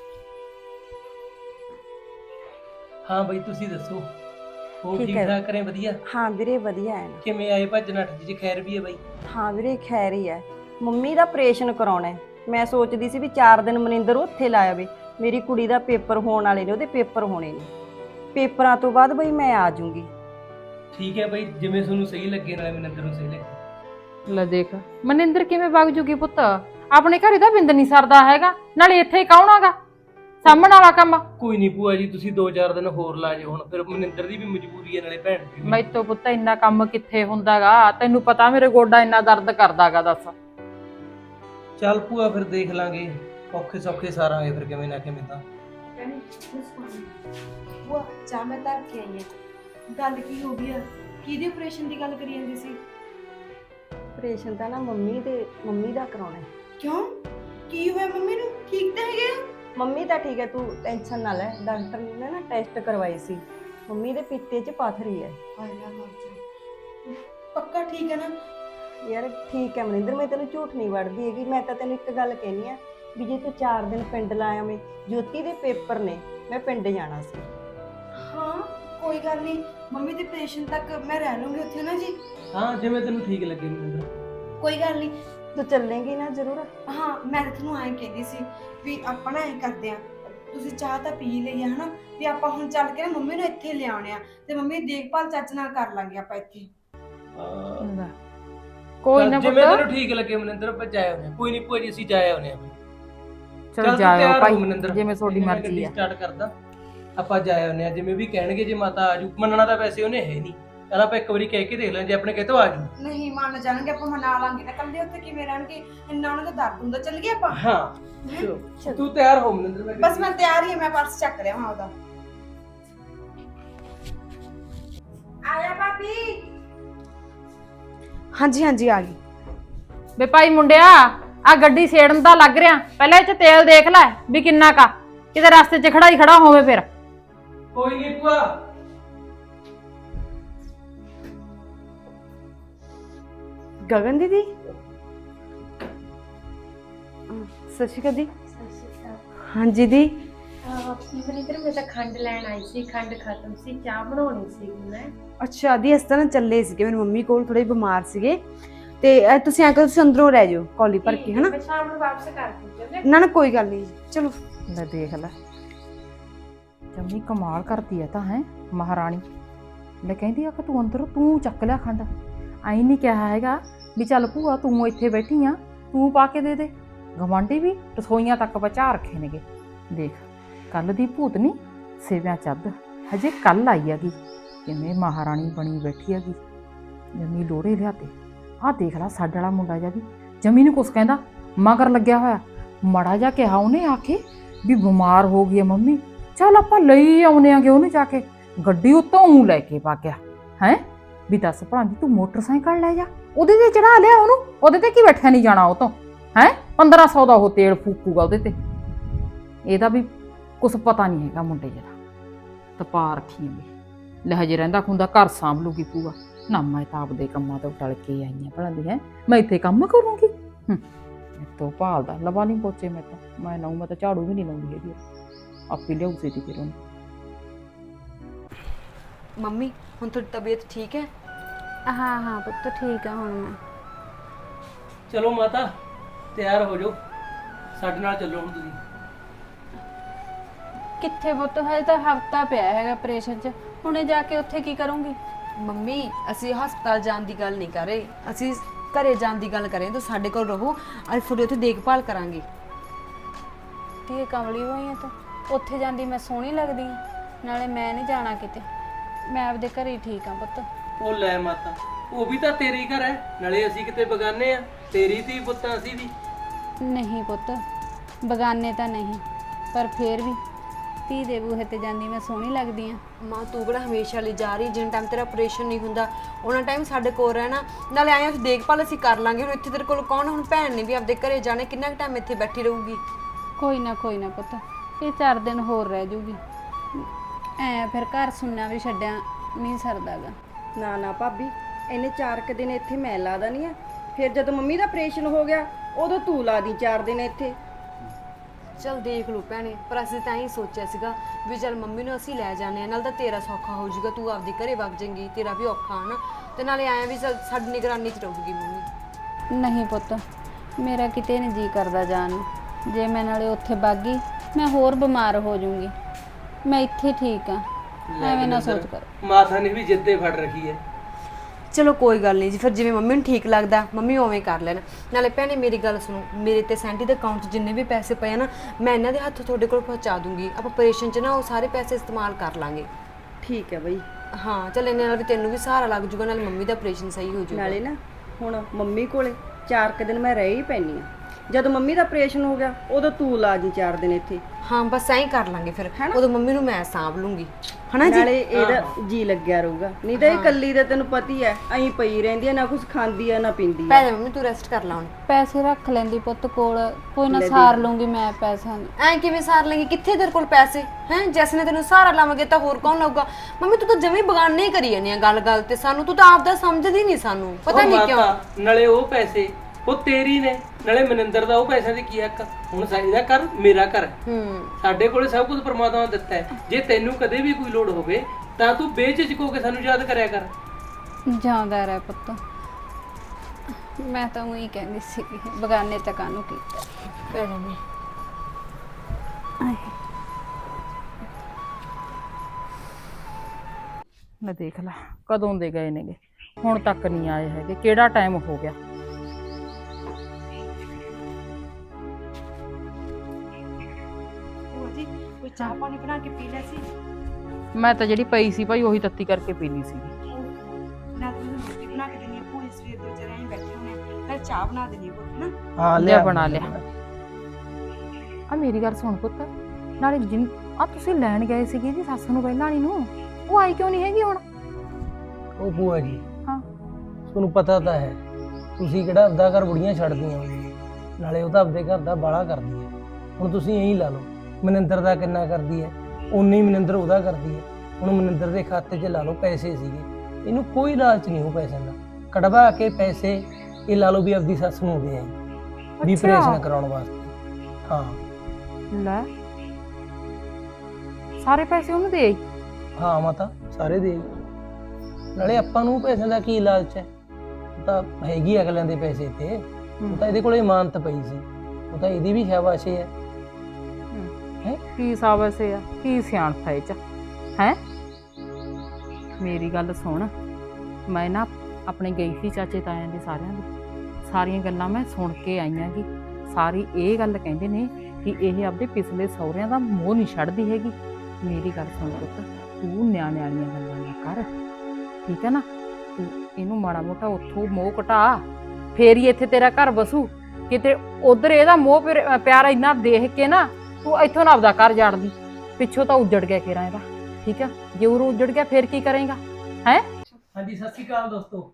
ਹਾਂ ਬਈ ਤੁਸੀਂ ਦੱਸੋ, ਹੋਰ ਠੀਕ ਠੀਕ ਹੈ। ਠਾਕ ਕਰੇ? ਵਧੀਆ। ਹਾਂ ਵੀਰੇ ਵਧੀਆ ਹੈ ਨਾ। ਕਿਵੇਂ ਆਏ ਭੱਜ ਨੱਠ ਜੀ? ਖੈਰ ਵੀ ਹੈ ਬਈ? ਹਾਂ ਵੀਰੇ ਖੈਰ ਹੀ ਹੈ। ਮੰਮੀ ਦਾ ਆਪਰੇਸ਼ਨ ਕਰਾਉਣਾ ਹੈ। ਮੈਂ ਸੋਚਦੀ ਸੀ ਵੀ 4 ਦਿਨ ਮਨਿੰਦਰ ਉੱਥੇ ਲਾਇਆ ਵੇ। ਮੇਰੀ ਕੁੜੀ ਦਾ ਪੇਪਰ ਹੋਣ ਵਾਲੇ ਨੇ, ਉਹਦੇ ਪੇਪਰ ਹੋਣੇ ਨੇ। ਪੇਪਰਾਂ ਤੋਂ ਬਾਅਦ ਬਈ ਮੈਂ ਆ ਜਾਊਂਗੀ। ਠੀਕ ਹੈ ਬਈ, ਜਿਵੇਂ ਤੁਹਾਨੂੰ ਸਹੀ ਲੱਗੇ, ਨਾਲੇ ਮਨਿੰਦਰ ਨੂੰ ਸਹੀ ਲੱਗੇ। ਲੈ ਦੇਖ ਮਨਿੰਦਰ ਕਿਵੇਂ ਵਗ ਜੂਗੀ ਪੁੱਤ। ਆਪਣੇ ਘਰੇ ਤਾਂ ਬਿੰਦ ਨਹੀਂ ਸਰਦਾ ਹੈਗਾ, ਨਾਲੇ ਇੱਥੇ ਕੌਣ ਆਗਾ ਸਾਂਭਣ ਵਾਲਾ ਕੰਮ। ਕੋਈ ਨਹੀਂ ਭੂਆ ਜੀ, ਤੁਸੀਂ 2-4 ਦਿਨ ਹੋਰ ਲਾ ਜਾਓ। ਹੁਣ ਫਿਰ ਮਨਿੰਦਰ ਦੀ ਵੀ ਮਜਬੂਰੀ ਹੈ, ਨਾਲੇ ਭੈਣ ਦੀ ਵੀ। ਮੈਥੋਂ ਪੁੱਤ ਇੰਨਾ ਕੰਮ ਕਿੱਥੇ ਹੁੰਦਾਗਾ? ਤੈਨੂੰ ਪਤਾ ਮੇਰੇ ਗੋਡਾ ਇੰਨਾ ਦਰਦ ਕਰਦਾਗਾ, ਦੱਸ। ਚੱਲ ਭੂਆ ਫਿਰ ਦੇਖ ਲਾਂਗੇ, ਔਖੇ ਸੌਖੇ ਸਾਰਾਂਗੇ ਫਿਰ ਕਿਵੇਂ ਨਾ ਕਿਵੇਂ ਤਾਂ। ਭੂਆ ਚਾਹ ਮੈਂ ਧਰ ਕੇ ਆਈ ਹਾਂ। ਗੱਲ ਕੀ ਹੋ ਗਈ ਆ? ਕਿਹਦੇ ਆਪਰੇਸ਼ਨ ਦੀ ਗੱਲ ਕਰੀ ਜਾਂਦੀ ਸੀ? ਆਪਰੇਸ਼ਨ ਤਾਂ ਨਾ ਮੰਮੀ ਦਾ ਕਰਾਉਣਾ ਹੈ। ਕਿਉਂ? ਕੀ ਹੋਇਆ ਮੰਮੀ ਨੂੰ? ਠੀਕ ਤਾਂ ਹੈਗੇ? ਮੰਮੀ ਤਾਂ ਠੀਕ ਹੈ, ਤੂੰ ਟੈਨਸ਼ਨ ਨਾ ਲੈ। ਡਾਕਟਰ ਨੇ ਨਾ ਟੈਸਟ ਕਰਵਾਏ ਸੀ, ਮੰਮੀ ਦੇ ਪਿੱਤੇ 'ਚ ਪਾਥਰੀ ਹੈ। ਪੱਕਾ ਠੀਕ ਹੈ ਨਾ? ਯਾਰ ਠੀਕ ਹੈ ਮਨਿੰਦਰ, ਮੈਂ ਤੈਨੂੰ ਝੂਠ ਨਹੀਂ ਵੜਦੀ ਹੈਗੀ। ਮੈਂ ਤਾਂ ਤੈਨੂੰ ਇੱਕ ਗੱਲ ਕਹਿਨੀ ਆ ਵੀ ਜੇ ਤੂੰ 4 ਦਿਨ ਪਿੰਡ ਲਾਇਆ ਮੈਂ, ਜੋਤੀ ਦੇ ਪੇਪਰ ਨੇ, ਮੈਂ ਪਿੰਡ ਜਾਣਾ ਸੀ। ਹਾਂ ਕੋਈ ਗੱਲ ਨਹੀਂ, ਮੰਮੀ ਦੇ ਆਪਰੇਸ਼ਨ ਤੱਕ ਮੈਂ ਰਹਿ ਲੂੰਗੀ ਉੱਥੇ ਨਾ ਜੀ। ਹਾਂ ਜਿਵੇਂ ਤੈਨੂੰ ਠੀਕ ਲੱਗੇ ਮਨਿੰਦਰ। ਕੋਈ ਗੱਲ ਨਹੀਂ। ਤੂੰ ਚੱਲੇਂਗੀ ਨਾ ਜ਼ਰੂਰ? ਹਾਂ ਮੈਂ ਤੁਹਾਨੂੰ ਐਂ ਕਹਿੰਦੀ ਸੀ ਵੀ ਆਪਾਂ ਨਾ ਐਂ ਕਰਦੇ ਆ, ਤੁਸੀਂ ਚਾਹ ਤਾਂ ਪੀ ਲਈ ਆ ਹਨਾ, ਵੀ ਆਪਾਂ ਹੁਣ ਚੱਲ ਕੇ ਨਾ ਮੰਮੀ ਨੂੰ ਇੱਥੇ ਲਿਆਉਣੇ ਆ ਤੇ ਮੰਮੀ ਦੀ ਦੇਖਭਾਲ ਚੱਜ ਨਾਲ ਕਰ ਲਾਂਗੇ ਆਪਾਂ ਇੱਥੇ। ਕੋਈ ਨਾ ਜਿਵੇਂ ਪੁੱਤ, ਤੈਨੂੰ ਠੀਕ ਲੱਗੇ ਮਨਿੰਦਰ, ਆਪਾਂ ਜਾਏ ਆਉਨੇ। ਕੋਈ ਨਹੀਂ ਭੂਆ ਜੀ, ਅਸੀਂ ਜਾਏ ਆਉਨੇ ਆ। ਚਲ ਜਾਇਓ ਭਾਈ, ਜਿਵੇਂ ਤੁਹਾਡੀ ਮਰਜ਼ੀ ਆ। ਸਟਾਰਟ ਕਰਦਾ, ਆਪਾਂ ਜਾਏ ਆਉਨੇ ਆ ਜਿਵੇਂ ਵੀ ਕਹਿਣਗੇ। ਜੇ ਮਾਤਾ ਆਜੂ, ਮੰਨਣਾ ਤਾਂ ਵੈਸੇ ਉਹਨੇ ਹੈ ਨਹੀਂ। ਕਹਿੰਦਾ ਆਪਾਂ ਇੱਕ ਵਾਰੀ ਕਹਿ ਕੇ ਦੇਖ ਲਾਂ, ਜੇ ਆਪਣੇ ਕਹੇ ਆਜੂ। ਨਹੀਂ ਮੰਨ ਜਾਣਗੇ, ਆਪਾਂ ਮਨਾ ਲਾਂਗੇ ਨਾ। ਕੱਲੇ ਉੱਥੇ ਕਿਵੇਂ ਰਹਿਣਗੇ? ਇੰਨਾ ਉਹਨਾਂ ਦਾ ਦਰਦ ਹੁੰਦਾ। ਚੱਲ ਗਏ ਆਪਾਂ? ਹਾਂ ਚਲੋ, ਤੂੰ ਤਿਆਰ ਹੋ ਮਨਿੰਦਰ? ਬਸ ਮੈਂ ਤਿਆਰ ਹੀ ਹਾਂ, ਮੈਂ ਪਰਸ ਚੱਕ ਲਿਆ ਹਾਂ ਉਹਦਾ। ਆਇਆ ਭਾਬੀ? ਹਾਂਜੀ ਹਾਂਜੀ ਆ ਗਈ। ਵੇ ਭਾਈ ਮੁੰਡਿਆ, ਆ ਗੱਡੀ ਸੇੜਨ ਦਾ ਲੱਗ ਰਿਹਾ, ਪਹਿਲਾਂ ਇਹ ਚ ਤੇਲ ਦੇਖ ਲੈ ਵੀ ਕਿੰਨਾ ਕਾ, ਕਿਤੇ ਰਸਤੇ 'ਚ ਖੜਾ ਹੋਵੇ ਫਿਰ। ਕੋਈ ਨਹੀਂ ਭੂਆ। ਗਗਨ ਦੀਦੀ ਸਤਿ ਸ਼੍ਰੀ ਅਕਾਲ ਦੀ। ਹਾਂਜੀ ਦੀ, ਮਨਿੰਦਰ ਮੈਂ ਤਾਂ ਖੰਡ ਲੈਣ ਆਈ ਸੀ, ਖੰਡ ਖਤਮ ਸੀ, ਚਾਹ ਬਣਾਉਣੀ ਸੀ ਮੈਂ। ਅੱਛਾ ਦੀ ਇਸ ਤਰ੍ਹਾਂ ਚੱਲੇ ਸੀਗੇ ਮੇਰੀ ਮੰਮੀ ਕੋਲ, ਥੋੜੇ ਬਿਮਾਰ ਸੀਗੇ ਤੇ ਤੁਸੀਂ ਆ ਕੇ ਤੁਸੀਂ ਅੰਦਰੋਂ ਰਹਿ ਜਾਓ ਕੌਲੀ ਭਰ ਕੇ, ਹਨਾ? ਮੈਂ ਸ਼ਾਮ ਨੂੰ ਵਾਪਸ ਕਰ ਦੂੰ ਚੰਗਾ। ਨਾ ਨਾ ਕੋਈ ਗੱਲ ਨਹੀਂ, ਚਲੋ। ਲੈ ਦੇਖ ਲੈ, ਜੰਮੀ ਕਮਾਲ ਕਰਦੀ ਐ ਤਾਂ ਹੈ ਮਹਾਰਾਣੀ। ਲੈ ਕਹਿੰਦੀ ਆ ਕਿ ਤੂੰ ਅੰਦਰ ਤੂੰ ਚੱਕ ਲਿਆ ਖੰਡ, ਆਈ ਨਹੀਂ ਕਿਹਾ ਹੈਗਾ ਵੀ ਚੱਲ ਭੂਆ ਤੂੰ ਇੱਥੇ ਬੈਠੀ ਆ ਤੂੰ ਪਾ ਕੇ ਦੇ ਦੇ। ਗਵਾਂਢੀ ਵੀ ਰਸੋਈਆਂ ਤੱਕ ਬਚਾ ਰੱਖੇ ਨੇਗੇ। ਦੇਖ ਕੱਲ ਦੀ ਭੂਤਨੀ ਸੇਵਿਆਂ ਚੱਦ ਹਜੇ ਕੱਲ ਆਈ ਹੈਗੀ, ਕਿਵੇਂ ਮਹਾਰਾਣੀ ਬਣੀ ਬੈਠੀ ਹੈਗੀ। ਜੰਮੀ ਲੋੜੇ ਲਿਆਤੇ। ਆਹ ਦੇਖ ਲਾ ਸਾਡੇ ਵਾਲਾ ਮੁੰਡਾ ਜਿਹਾ ਵੀ ਜੰਮੀ ਨੂੰ ਕੁਛ ਕਹਿੰਦਾ, ਮਗਰ ਲੱਗਿਆ ਹੋਇਆ। ਮਾੜਾ ਜਿਹਾ ਕਿਹਾ ਉਹਨੇ ਆ ਕੇ ਵੀ ਬਿਮਾਰ ਹੋ ਗਈ ਹੈ ਮੰਮੀ, ਚੱਲ ਆਪਾਂ ਲਈ ਆਉਨੇ ਆਂਗੇ ਉਹਨੂੰ ਜਾ ਕੇ। ਗੱਡੀ ਉੱਤੋਂ ਊਂ ਲੈ ਕੇ ਪਾ ਗਿਆ ਹੈ ਵੀ ਦੱਸ ਭਾਂਜੀ ਤੂੰ ਮੋਟਰਸਾਈਕਲ ਲੈ ਜਾ, ਉਹਦੇ ਤੇ ਚੜਾ ਲਿਆ ਉਹਨੂੰ, ਉਹਦੇ ਤੇ ਕੀ ਬੈਠਿਆ ਨਹੀਂ ਜਾਣਾ ਉਹ ਤੋਂ ਹੈ। 1500 ਦਾ ਉਹ ਤੇਲ ਫੂਕੂਗਾ ਉਹਦੇ ਤੇ। ਇਹਦਾ ਵੀ ਕੁਛ ਪਤਾ ਨਹੀਂ ਹੈਗਾ ਮੁੰਡੇ ਜਿਹਦਾ, ਤਪਾ ਰੱਖੀ ਜਾਂਦੀ। ਲੈ ਹਜੇ ਰਹਿੰਦਾ ਖੁੰਦਾ ਘਰ ਸਾਂਭ ਲੂਗੀ ਭੂਆ। ਨਾ ਮੈਂ ਤਾਂ ਆਪਦੇ ਕੰਮਾਂ ਤੋਂ ਟਲ ਕੇ ਆਈਆਂ ਭਲਾਂ ਦੀ ਹੈ, ਮੈਂ ਇੱਥੇ ਕੰਮ ਕਰੂੰਗੀ। ਤੋਂ ਭਾਲਦਾ ਲਵਾ ਨਹੀਂ ਪੋਚੇ ਮੈਂ ਤਾਂ ਮੈਂ ਤਾਂ ਝਾੜੂ ਵੀ ਨਹੀਂ ਲਾਉਂਦੀ ਹੈਗੀ, ਆਪੇ ਲਿਆਉ ਸੀ ਫਿਰ ਉਹਨੂੰ। ਮੰਮੀ ਹੁਣ ਤੁਹਾਡੀ ਤਬੀਅਤ ਠੀਕ ਹੈ? ਹਾਂ ਹਾਂ ਪੁੱਤ ਠੀਕ ਆ ਹੁਣ ਮੈਂ। ਚਲੋ ਮਾਤਾ ਤਿਆਰ ਹੋ ਜਾਓ, ਸਾਡੇ ਨਾਲ ਚੱਲੋ ਹੁਣ ਤੁਸੀਂ। ਕਿੱਥੇ ਪੁੱਤ, ਹਜੇ ਤਾਂ ਹਫਤਾ ਪਿਆ ਹੈਗਾ ਆਪਰੇਸ਼ਨ 'ਚ, ਹੁਣੇ ਜਾ ਕੇ ਉੱਥੇ ਕੀ ਕਰੂੰਗੀ? ਮੰਮੀ ਅਸੀਂ ਹਸਪਤਾਲ ਜਾਣ ਦੀ ਗੱਲ ਨਹੀਂ ਕਰ ਰਹੇ, ਅਸੀਂ ਘਰੇ ਜਾਣ ਦੀ ਗੱਲ ਕਰ ਰਹੇ। ਤੁਸੀਂ ਸਾਡੇ ਕੋਲ ਰਹੋ, ਅਸੀਂ ਤੁਹਾਡੀ ਉੱਥੇ ਦੇਖਭਾਲ ਕਰਾਂਗੇ। ਧੀ ਕਮਲੀ ਹੋਈ ਆ ਤੂੰ, ਉੱਥੇ ਜਾਂਦੀ ਮੈਂ ਸੋਹਣੀ ਲੱਗਦੀ ਆ? ਨਾਲੇ ਮੈਂ ਨਹੀਂ ਜਾਣਾ ਕਿਤੇ, ਮੈਂ ਆਪਦੇ ਘਰੇ ਹੀ ਠੀਕ ਆ ਪੁੱਤ। ਉਹ ਲੈ ਮਾਤਾ, ਉਹ ਵੀ ਤਾਂ ਤੇਰੀ ਘਰ ਹੈ, ਨਾਲੇ ਅਸੀਂ ਕਿਤੇ ਬਗਾਨੇ ਆ, ਤੇਰੀ ਧੀ ਪੁੱਤਾਂ ਅਸੀਂ ਵੀ। ਨਹੀਂ ਪੁੱਤ, ਬਗਾਨੇ ਤਾਂ ਨਹੀਂ, ਪਰ ਫੇਰ ਵੀ ਧੀ ਦੇ ਬੂਹੇ ਤੇ ਜਾਂਦੀ ਮੈਂ ਸੋਹਣੀ ਲੱਗਦੀ ਆ। ਮਾਂ ਤੂੰ ਕਿਹੜਾ ਹਮੇਸ਼ਾ ਲਈ ਜਾ ਰਹੀ, ਜਿੰਨਾ ਟਾਈਮ ਤੇਰਾ ਆਪਰੇਸ਼ਨ ਨਹੀਂ ਹੁੰਦਾ ਉਹਨਾਂ ਟਾਈਮ ਸਾਡੇ ਕੋਲ ਰਹਿਣਾ, ਨਾਲੇ ਆਏ ਉੱਥੇ ਦੇਖਭਾਲ ਅਸੀਂ ਕਰ ਲਾਂਗੇ। ਹੁਣ ਇੱਥੇ ਤੇਰੇ ਕੋਲ ਕੌਣ? ਹੁਣ ਭੈਣ ਨੇ ਵੀ ਆਪਦੇ ਘਰੇ ਜਾਣੇ, ਕਿੰਨਾ ਕੁ ਟਾਈਮ ਇੱਥੇ ਬੈਠੀ ਰਹੂਗੀ? ਕੋਈ ਨਾ ਪੁੱਤ, ਇਹ 4 ਦਿਨ ਹੋਰ ਰਹਿ ਜੂਗੀ, ਐ ਫਿਰ ਘਰ ਸੁਣਨਾ ਵੀ ਛੱਡਿਆ ਨਹੀਂ ਸਰਦਾਗਾ। ਨਾ ਨਾ ਭਾਬੀ, ਇਹਨੇ 4 ਕੁ ਦਿਨ ਇੱਥੇ ਮੈਂ ਲਾ ਦੇਣੀ ਆ, ਫਿਰ ਜਦੋਂ ਮੰਮੀ ਦਾ ਆਪਰੇਸ਼ਨ ਹੋ ਗਿਆ ਉਦੋਂ ਤੂੰ ਲਾ ਦੀ 4 ਦਿਨ ਇੱਥੇ। ਚਲ ਦੇਖ ਲਓ ਭੈਣੇ, ਪਰ ਅਸੀਂ ਤਾਂ ਹੀ ਸੋਚਿਆ ਸੀਗਾ ਵੀ ਚਲ ਮੰਮੀ ਨੂੰ ਅਸੀਂ ਲੈ ਜਾਂਦੇ ਆ, ਨਾਲ ਤਾਂ ਤੇਰਾ ਸੌਖਾ ਹੋ ਜਾਊਗਾ, ਤੂੰ ਆਪਦੇ ਘਰੇ ਵਗ ਜਾਏਂਗੀ, ਤੇਰਾ ਵੀ ਔਖਾ ਹਨਾ, ਤੇ ਨਾਲੇ ਆਇਆ ਵੀ ਸਾਡੀ ਨਿਗਰਾਨੀ 'ਚ ਰਹੂਗੀ ਮੰਮੀ। ਨਹੀਂ ਪੁੱਤ, ਮੇਰਾ ਕਿਤੇ ਨਹੀਂ ਜੀ ਕਰਦਾ ਜਾਣ ਨੂੰ, ਜੇ ਮੈਂ ਨਾਲੇ ਉੱਥੇ ਬਾਗੀ ਮੈਂ ਹੋਰ ਬਿਮਾਰ ਹੋ ਜਾਊਂਗੀ, ਮੈਂ ਇੱਥੇ ਠੀਕ ਆ, ਐਵੇਂ ਨਾ ਸੋਚ ਕਰ। ਮਾਤਾ ਨੇ ਵੀ ਜਿੱਦੇ ਫੜ ਰੱਖੀ ਹੈ। ਚਲੋ ਕੋਈ ਗੱਲ ਨਹੀਂ ਜੀ, ਫਿਰ ਜਿਵੇਂ ਮੰਮੀ ਨੂੰ ਠੀਕ ਲੱਗਦਾ ਮੰਮੀ ਉਵੇਂ ਕਰ ਲੈਣ। ਨਾਲੇ ਭੈਣੇ ਮੇਰੀ ਗੱਲ ਸੁਣੋ, ਮੇਰੇ ਤੇ ਸੈਂਟੀ ਦੇ ਅਕਾਊਂਟ 'ਚ ਜਿੰਨੇ ਵੀ ਪੈਸੇ ਪਏ ਆ ਨਾ, ਮੈਂ ਇਹਨਾਂ ਦੇ ਹੱਥ ਤੁਹਾਡੇ ਕੋਲ ਪਹੁੰਚਾ ਦੂੰਗੀ। ਆਪਾਂ ਆਪਰੇਸ਼ਨ 'ਚ ਨਾ ਉਹ ਸਾਰੇ ਪੈਸੇ ਇਸਤੇਮਾਲ ਕਰ ਲਾਂਗੇ। ਠੀਕ ਹੈ ਬਈ। ਹਾਂ ਚੱਲ ਇਹਨਾਂ ਨਾਲ ਵੀ ਤੈਨੂੰ ਵੀ ਸਹਾਰਾ ਲੱਗ ਜੂਗਾ, ਨਾਲ ਮੰਮੀ ਦਾ ਆਪਰੇਸ਼ਨ ਸਹੀ ਹੋ ਜੂਗਾ। ਨਾਲੇ ਨਾ ਹੁਣ ਮੰਮੀ ਕੋਲੇ 4 ਕੁ ਦਿਨ ਮੈਂ ਰਹਿ ਹੀ ਪੈਣੀ ਆ, ਜਦੋਂ ਮੰਮੀ ਦਾ ਆਪਰੇਸ਼ਨ ਹੋ ਗਿਆ ਉਦੋਂ ਤੂੰ ਲਾ ਜੀ 4 ਦਿਨ ਇੱਥੇ। ਹਾਂ ਬਸ ਐਂ ਕਰ ਲਾਂਗੇ ਫਿਰ, ਉਦੋਂ ਮੰਮੀ ਨੂੰ ਮੈਂ ਸਾਂਭ ਲੂੰਗੀ, ਹਨਾ ਜੀ? ਨਾਲੇ ਇਹਦਾ ਜੀ ਲੱਗਿਆ ਰਹੂਗਾ, ਨਹੀਂ ਤਾਂ ਇਹ ਕੱਲੀ ਦਾ ਤੈਨੂੰ ਪਤੀ ਐ, ਐਂ ਪਈ ਰਹਿੰਦੀ ਐ, ਨਾ ਕੁਝ ਖਾਂਦੀ ਐ ਨਾ ਪੀਂਦੀ ਐ। ਪੈ ਜਾ ਮੰਮੀ, ਤੂੰ ਰੈਸਟ ਕਰ ਲਾ ਹੁਣ। ਪੈਸੇ ਰੱਖ ਲੈਂਦੀ ਪੁੱਤ ਕੋਲ, ਕੋਈ ਨਾ ਸਾਰ ਲੂੰਗੀ ਮੈਂ ਪੈਸਿਆਂ ਨੂੰ। ਐਂ ਕਿਵੇਂ ਸਾਰ ਲੇਂਗੀ? ਕਿੱਥੇ ਤੇਰੇ ਕੋਲ ਪੈਸੇ ਹੈ? ਜੈਸੇ ਨੇ ਤੈਨੂੰ ਸਹਾਰਾ ਲਾਵਾਂਗੇ ਤਾਂ ਹੋਰ ਕੌਣ ਲਾਊਗਾ? ਮੰਮੀ ਤੂੰ ਤਾਂ ਜਮੀ ਬਗਾਨੇ ਹੀ ਕਰੀ ਜਾਂਦੀ ਆ ਗੱਲ-ਗੱਲ ਤੇ, ਸਾਨੂੰ ਤੂੰ ਤਾਂ ਆਪਦਾ ਸਮਝਦੀ ਨਹੀਂ, ਸਾਨੂੰ ਪਤਾ ਨਹੀਂ ਕਿਉਂ। ਮਾਤਾ ਨਾਲੇ ਉਹ ਪੈਸੇ ਉਹ ਤੇਰੀ ਨੇ, ਨਾਲੇ ਮਨਿੰਦਰ ਦਾ ਉਹ ਪੈਸਿਆਂ ਦੀ ਕੀ ਹੱਕ? ਹੁਣ ਸਾਡਾ ਘਰ ਮੇਰਾ ਘਰ ਹੈ, ਸਾਡੇ ਕੋਲੇ ਸਭ ਕੁਝ ਪ੍ਰਮਾਤਮਾ ਨੇ ਦਿੱਤਾ ਹੈ। ਜੇ ਤੈਨੂੰ ਕਦੇ ਵੀ ਕੋਈ ਲੋੜ ਹੋਵੇ ਤਾਂ ਤੂੰ ਬੇਝਿਜਕ ਹੋ ਕੇ ਸਾਨੂੰ ਯਾਦ ਕਰਿਆ ਕਰ। ਜਾਂਦਾ ਰਹਿ ਪੁੱਤ, ਮੈਂ ਤਾਂ ਉਹੀ ਕਹਿੰਦੀ ਸੀ ਬਗਾਨੇ ਤਾਂ ਕਾਹਨੂੰ ਕੀਤਾ। ਪੈ ਜਾ ਮੰਮੀ। ਮੈਂ ਦੇਖ ਲਾ ਕਦੋਂ ਦੇ ਗਏ ਨੇਗੇ, ਹੁਣ ਤੱਕ ਨਹੀਂ ਆਏ ਹੈਗੇ, ਕਿਹੜਾ ਟਾਈਮ ਹੋ ਗਿਆ। ਕੋਈ ਚਾਹ ਪਾਣੀ ਬਣਾ ਕੇ ਪੀ ਲੈ ਸੀ? ਮੈਂ ਤਾਂ ਜਿਹੜੀ ਪਈ ਸੀ ਭਾਈ ਉਹੀ ਤੱਤੀ ਕਰਕੇ ਪੀਣੀ ਸੀਗੀ। ਨਾ ਤੂੰ ਰੋਟੀ ਬਣਾ ਕੇ ਦੇਣੀ ਪੂਰੀ ਸਵੇਰ ਦੋ ਚਾਰ ਐਂ ਬੈਠੇ ਹੋਣੇ, ਫਿਰ ਚਾਹ ਬਣਾ ਦੇਣੀ ਕੋਈ ਨਾ। ਹਾਂ ਲਿਆ ਬਣਾ ਲਿਆ। ਆ ਮੇਰੀ ਗੱਲ ਸੁਣ ਪੁੱਤ, ਨਾਲੇ ਆ ਤੁਸੀਂ ਲੈਣ ਗਏ ਸੀਗੇ ਜੀ ਸੱਸ ਨੂੰ ਪਹਿਲਾਂ ਵਾਲੀ ਨੂੰ, ਉਹ ਆਈ ਕਿਉਂ ਨਹੀਂ ਹੈਗੀ ਹੁਣ? ਉਹ ਭੂਆ ਜੀ, ਹਾਂ ਤੁਹਾਨੂੰ ਪਤਾ ਤਾਂ ਹੈ ਤੁਸੀਂ ਕਿਹੜਾ ਆਪਦਾ ਘਰ ਬੁੜੀਆਂ ਛੱਡਦੀਆਂ ਹੋ, ਨਾਲੇ ਉਹ ਤਾਂ ਆਪਦੇ ਘਰ ਦਾ ਬਾਲਾ ਕਰਦੀ ਹੈ। ਹੁਣ ਤੁਸੀਂ ਇਹੀ ਲਾ ਲਓ, ਮਨਿੰਦਰ ਦਾ ਕਿੰਨਾ ਕਰਦੀ ਹੈ, ਉਨੀ ਮਨਿੰਦਰ ਉਹਦਾ ਕਰਦੀ ਹੈ। ਹੁਣ ਮਨਿੰਦਰ ਦੇ ਖਾਤੇ 'ਚ ਲਾ ਲਓ ਪੈਸੇ ਸੀਗੇ, ਇਹਨੂੰ ਕੋਈ ਲਾਲਚ ਨਹੀਂ ਹੋ ਪੈਸਿਆਂ ਦਾ, ਕਢਵਾ ਕੇ ਪੈਸੇ ਇਹ ਲਾ ਲਓ ਵੀ ਆਪਦੀ ਸੱਸ ਨੂੰ ਦੇ ਆਈ ਵੀ ਆਪਰੇਸ਼ਨ ਕਰਾਉਣ ਵਾਸਤੇ। ਹਾਂ ਲੈ ਸਾਰੇ ਪੈਸੇ ਉਹਨੂੰ ਦੇ ਆਈ। ਹਾਂ ਮਾਤਾ ਸਾਰੇ ਦੇ ਆਈ। ਨਾਲੇ ਆਪਾਂ ਨੂੰ ਪੈਸਿਆਂ ਦਾ ਕੀ ਲਾਲਚ ਹੈ, ਉਹ ਤਾਂ ਹੈਗੀ ਅਗਲਿਆਂ ਦੇ ਪੈਸੇ ਤੇ, ਉਹ ਤਾਂ ਇਹਦੇ ਕੋਲੇ ਇਮਾਨਤ ਪਈ ਸੀ, ਉਹ ਤਾਂ ਇਹਦੀ ਵੀ ਸ਼ਾਬਾਸ਼ੇ ਹੈ। ਕੀ ਸਾਬਸੇ ਆ, ਕੀ ਸਿਆਣਪ ਹੈ ਇਹ ਚ ਹੈ। ਮੇਰੀ ਗੱਲ ਸੁਣ, ਮੈਂ ਨਾ ਆਪਣੇ ਗਈ ਸੀ ਚਾਚੇ ਤਾਇਆਂ ਦੇ ਸਾਰਿਆਂ ਦੇ, ਸਾਰੀਆਂ ਗੱਲਾਂ ਮੈਂ ਸੁਣ ਕੇ ਆਈਆਂ ਗੀ। ਸਾਰੀ ਇਹ ਗੱਲ ਕਹਿੰਦੇ ਨੇ ਕਿ ਇਹ ਆਪਦੇ ਪਿਛਲੇ ਸਹੁਰਿਆਂ ਦਾ ਮੋਹ ਨਹੀਂ ਛੱਡਦੀ ਹੈਗੀ। ਮੇਰੀ ਗੱਲ ਸੁਣ ਪੁੱਤ, ਤੂੰ ਨਿਆਣੇ ਵਾਲੀਆਂ ਗੱਲਾਂ ਨਾ ਕਰ, ਠੀਕ ਹੈ ਨਾ। ਤੂੰ ਇਹਨੂੰ ਮਾੜਾ ਮੋਟਾ ਉੱਥੋਂ ਮੋਹ ਘਟਾ, ਫੇਰ ਹੀ ਇੱਥੇ ਤੇਰਾ ਘਰ ਬਸੂ। ਕਿਤੇ ਉਧਰ ਇਹਦਾ ਮੋਹ ਪਿਆਰ ਇੰਨਾ ਦੇਖ ਕੇ ਨਾ ਤੂੰ ਇੱਥੋਂ ਨਾ ਆਪਦਾ ਘਰ ਜਾੜਦੀ, ਪਿੱਛੋਂ ਤਾਂ ਉੱਜੜ ਗਿਆ ਕੇਰਾ ਇਹਦਾ, ਠੀਕ ਆ। ਜੇ ਉਰੋਂ ਉੱਜੜ ਗਿਆ ਫੇਰ ਕੀ ਕਰੇਗਾ ਹੈ। ਹਾਂਜੀ ਸਤਿ ਸ਼੍ਰੀ ਅਕਾਲ ਦੋਸਤੋ,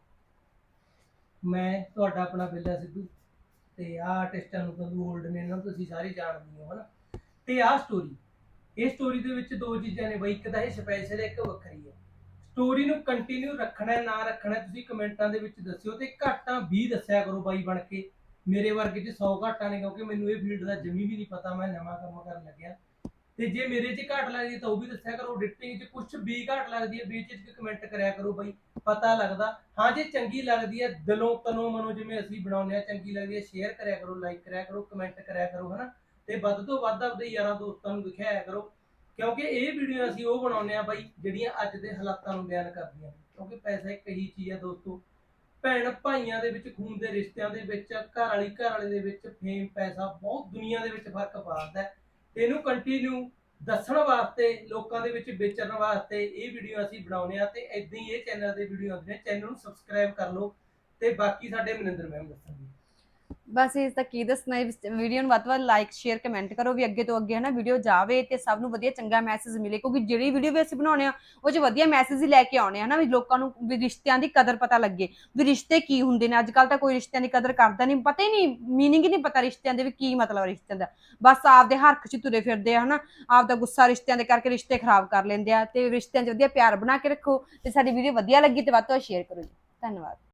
ਮੈਂ ਤੁਹਾਡਾ ਆਪਣਾ ਬਿੱਲਾ ਸਿੱਧੂ ਤੇ ਆਹ ਆਰਟਿਸਟਾਂ ਨੂੰ ਤੁਹਾਨੂੰ 올ਡ ਨੇ, ਇਹਨਾਂ ਨੂੰ ਤੁਸੀਂ ਸਾਰੇ ਜਾਣਦੇ ਹੋ ਹਨਾ। ਤੇ ਆਹ ਸਟੋਰੀ, ਇਹ ਸਟੋਰੀ ਦੇ ਵਿੱਚ ਦੋ ਚੀਜ਼ਾਂ ਨੇ ਬਈ, ਇੱਕ ਤਾਂ ਇਹ ਸਪੈਸ਼ਲ ਹੈ, ਇੱਕ ਵੱਖਰੀ ਹੈ। ਸਟੋਰੀ ਨੂੰ ਕੰਟੀਨਿਊ ਰੱਖਣਾ ਨਾ ਰੱਖਣਾ ਤੁਸੀਂ ਕਮੈਂਟਾਂ ਦੇ ਵਿੱਚ ਦੱਸਿਓ, ਤੇ ਘਾਟਾਂ 20 ਦੱਸਿਆ ਕਰੋ ਬਾਈ ਬਣ ਕੇ। ਮੇਰੇ ਵਰਗੇ 'ਚ 100 ਘਾਟਾਂ ਨੇ, ਕਿਉਂਕਿ ਮੈਨੂੰ ਇਹ ਫੀਲਡ ਦਾ ਜਮੀ ਵੀ ਨਹੀਂ ਪਤਾ, ਮੈਂ ਨਵਾਂ ਕੰਮ ਕਰਨ ਲੱਗਿਆ। ਤੇ ਜੇ ਮੇਰੇ 'ਚ ਘਾਟ ਲੱਗਦੀ ਤਾਂ ਉਹ ਵੀ ਦੱਸਿਆ ਕਰੋ। ਐਡੀਟਿੰਗ 'ਚ ਕੁਝ ਵੀ ਘਾਟ ਲੱਗਦੀ ਹੈ ਬੇਝਿਜਕ ਕਮੈਂਟ ਕਰਿਆ ਕਰੋ ਬਾਈ, ਪਤਾ ਲੱਗਦਾ। ਹਾਂ ਜੇ ਚੰਗੀ ਲੱਗਦੀ ਹੈ ਦਿਲੋਂ ਤਨੋਂ ਮਨੋਂ ਜਿਵੇਂ ਅਸੀਂ ਬਣਾਉਂਦੇ ਆ, ਚੰਗੀ ਲੱਗਦੀ ਹੈ ਸ਼ੇਅਰ ਕਰਿਆ ਕਰੋ, ਲਾਈਕ ਕਰਿਆ ਕਰੋ, ਕਮੈਂਟ ਕਰਿਆ ਕਰੋ ਹਨਾ। ਤੇ ਵੱਧ ਤੋਂ ਵੱਧ ਆਪਦੇ ਯਾਰਾਂ ਦੋਸਤਾਂ ਨੂੰ ਦਿਖਾਇਆ ਕਰੋ, ਕਿਉਂਕਿ ਇਹ ਵੀਡੀਓ ਅਸੀਂ ਉਹ ਬਣਾਉਂਦੇ ਆ ਬਾਈ ਜਿਹੜੀਆਂ ਅੱਜ ਦੇ ਹਾਲਾਤਾਂ ਨੂੰ ਬਿਆਨ ਕਰਦੀਆਂ ਨੇ। ਕਿਉਂਕਿ ਪੈਸਾ ਇੱਕ ਇਹੀ ਚੀਜ਼ ਹੈ ਦੋਸਤੋ, ਭੈਣ ਭਾਈਆਂ ਦੇ ਵਿੱਚ, ਖੂਨ ਦੇ ਰਿਸ਼ਤਿਆਂ ਦੇ ਵਿੱਚ, ਘਰ ਵਾਲੇ ਦੇ ਵਿੱਚ ਫੇਮ ਪੈਸਾ ਬਹੁਤ ਦੁਨੀਆ ਦੇ ਵਿੱਚ ਫਰਕ ਪਾਉਂਦਾ ਹੈ। ਤੇ ਇਹਨੂੰ ਕੰਟੀਨਿਊ ਦੱਸਣ ਵਾਸਤੇ, ਲੋਕਾਂ ਦੇ ਵਿੱਚ ਵੇਚਣ ਵਾਸਤੇ ਇਹ ਵੀਡੀਓ ਅਸੀਂ ਬਣਾਉਂਦੇ ਆ। ਤੇ ਇਦਾਂ ਹੀ ਇਹ ਚੈਨਲ ਦੇ ਵੀਡੀਓ ਆਉਂਦੇ ਨੇ, ਚੈਨਲ ਨੂੰ ਸਬਸਕ੍ਰਾਈਬ ਕਰ ਲਓ। ਤੇ ਬਾਕੀ ਸਾਡੇ ਮਨਿੰਦਰ ਮੈਮ ਦੱਸਣਗੇ। ਬਸ ਇਸ ਤਾਂ ਕੀ ਦੱਸਣਾ, ਵੀਡੀਓ ਨੂੰ ਵੱਧ ਤੋਂ ਵੱਧ ਲਾਈਕ ਸ਼ੇਅਰ ਕਮੈਂਟ ਕਰੋ ਵੀ ਅੱਗੇ ਤੋਂ ਅੱਗੇ ਹੈ ਨਾ ਵੀਡੀਓ ਜਾਵੇ ਤੇ ਸਭ ਨੂੰ ਵਧੀਆ ਚੰਗਾ ਮੈਸੇਜ ਮਿਲੇ, ਕਿਉਂਕਿ ਜਿਹੜੀ ਵੀਡੀਓ ਵੀ ਅਸੀਂ ਬਣਾਉਣੇ ਆ ਉਹ 'ਚ ਵਧੀਆ ਮੈਸੇਜ ਹੀ ਲੈ ਕੇ ਆਉਣੇ ਆ ਨਾ, ਵੀ ਲੋਕਾਂ ਨੂੰ ਵੀ ਰਿਸ਼ਤਿਆਂ ਦੀ ਕਦਰ ਪਤਾ ਲੱਗੇ, ਵੀ ਰਿਸ਼ਤੇ ਕੀ ਹੁੰਦੇ ਨੇ। ਅੱਜ ਕੱਲ ਤਾਂ ਕੋਈ ਰਿਸ਼ਤਿਆਂ ਦੀ ਕਦਰ ਕਰਦਾ ਨਹੀਂ, ਪਤਾ ਹੀ ਨਹੀਂ, ਮੀਨਿੰਗ ਹੀ ਨਹੀਂ ਪਤਾ ਰਿਸ਼ਤਿਆਂ ਦੇ ਵੀ ਕੀ ਮਤਲਬ ਰਿਸ਼ਤਿਆਂ ਦਾ। ਬਸ ਆਪਦੇ ਹਰਖ 'ਚ ਤੁਰੇ ਫਿਰਦੇ ਆ ਹਨਾ, ਆਪਦਾ ਗੁੱਸਾ ਰਿਸ਼ਤਿਆਂ ਦੇ ਕਰਕੇ ਰਿਸ਼ਤੇ ਖਰਾਬ ਕਰ ਲੈਂਦੇ ਆ। ਤੇ ਰਿਸ਼ਤਿਆਂ 'ਚ ਵਧੀਆ ਪਿਆਰ ਬਣਾ ਕੇ ਰੱਖੋ, ਤੇ ਸਾਡੀ ਵੀਡੀਓ ਵਧੀਆ ਲੱਗੀ ਤੇ ਵੱਧ ਤੋਂ ਵੱਧ ਸ਼ੇਅਰ ਕਰੋ ਜੀ। ਧੰਨਵਾਦ।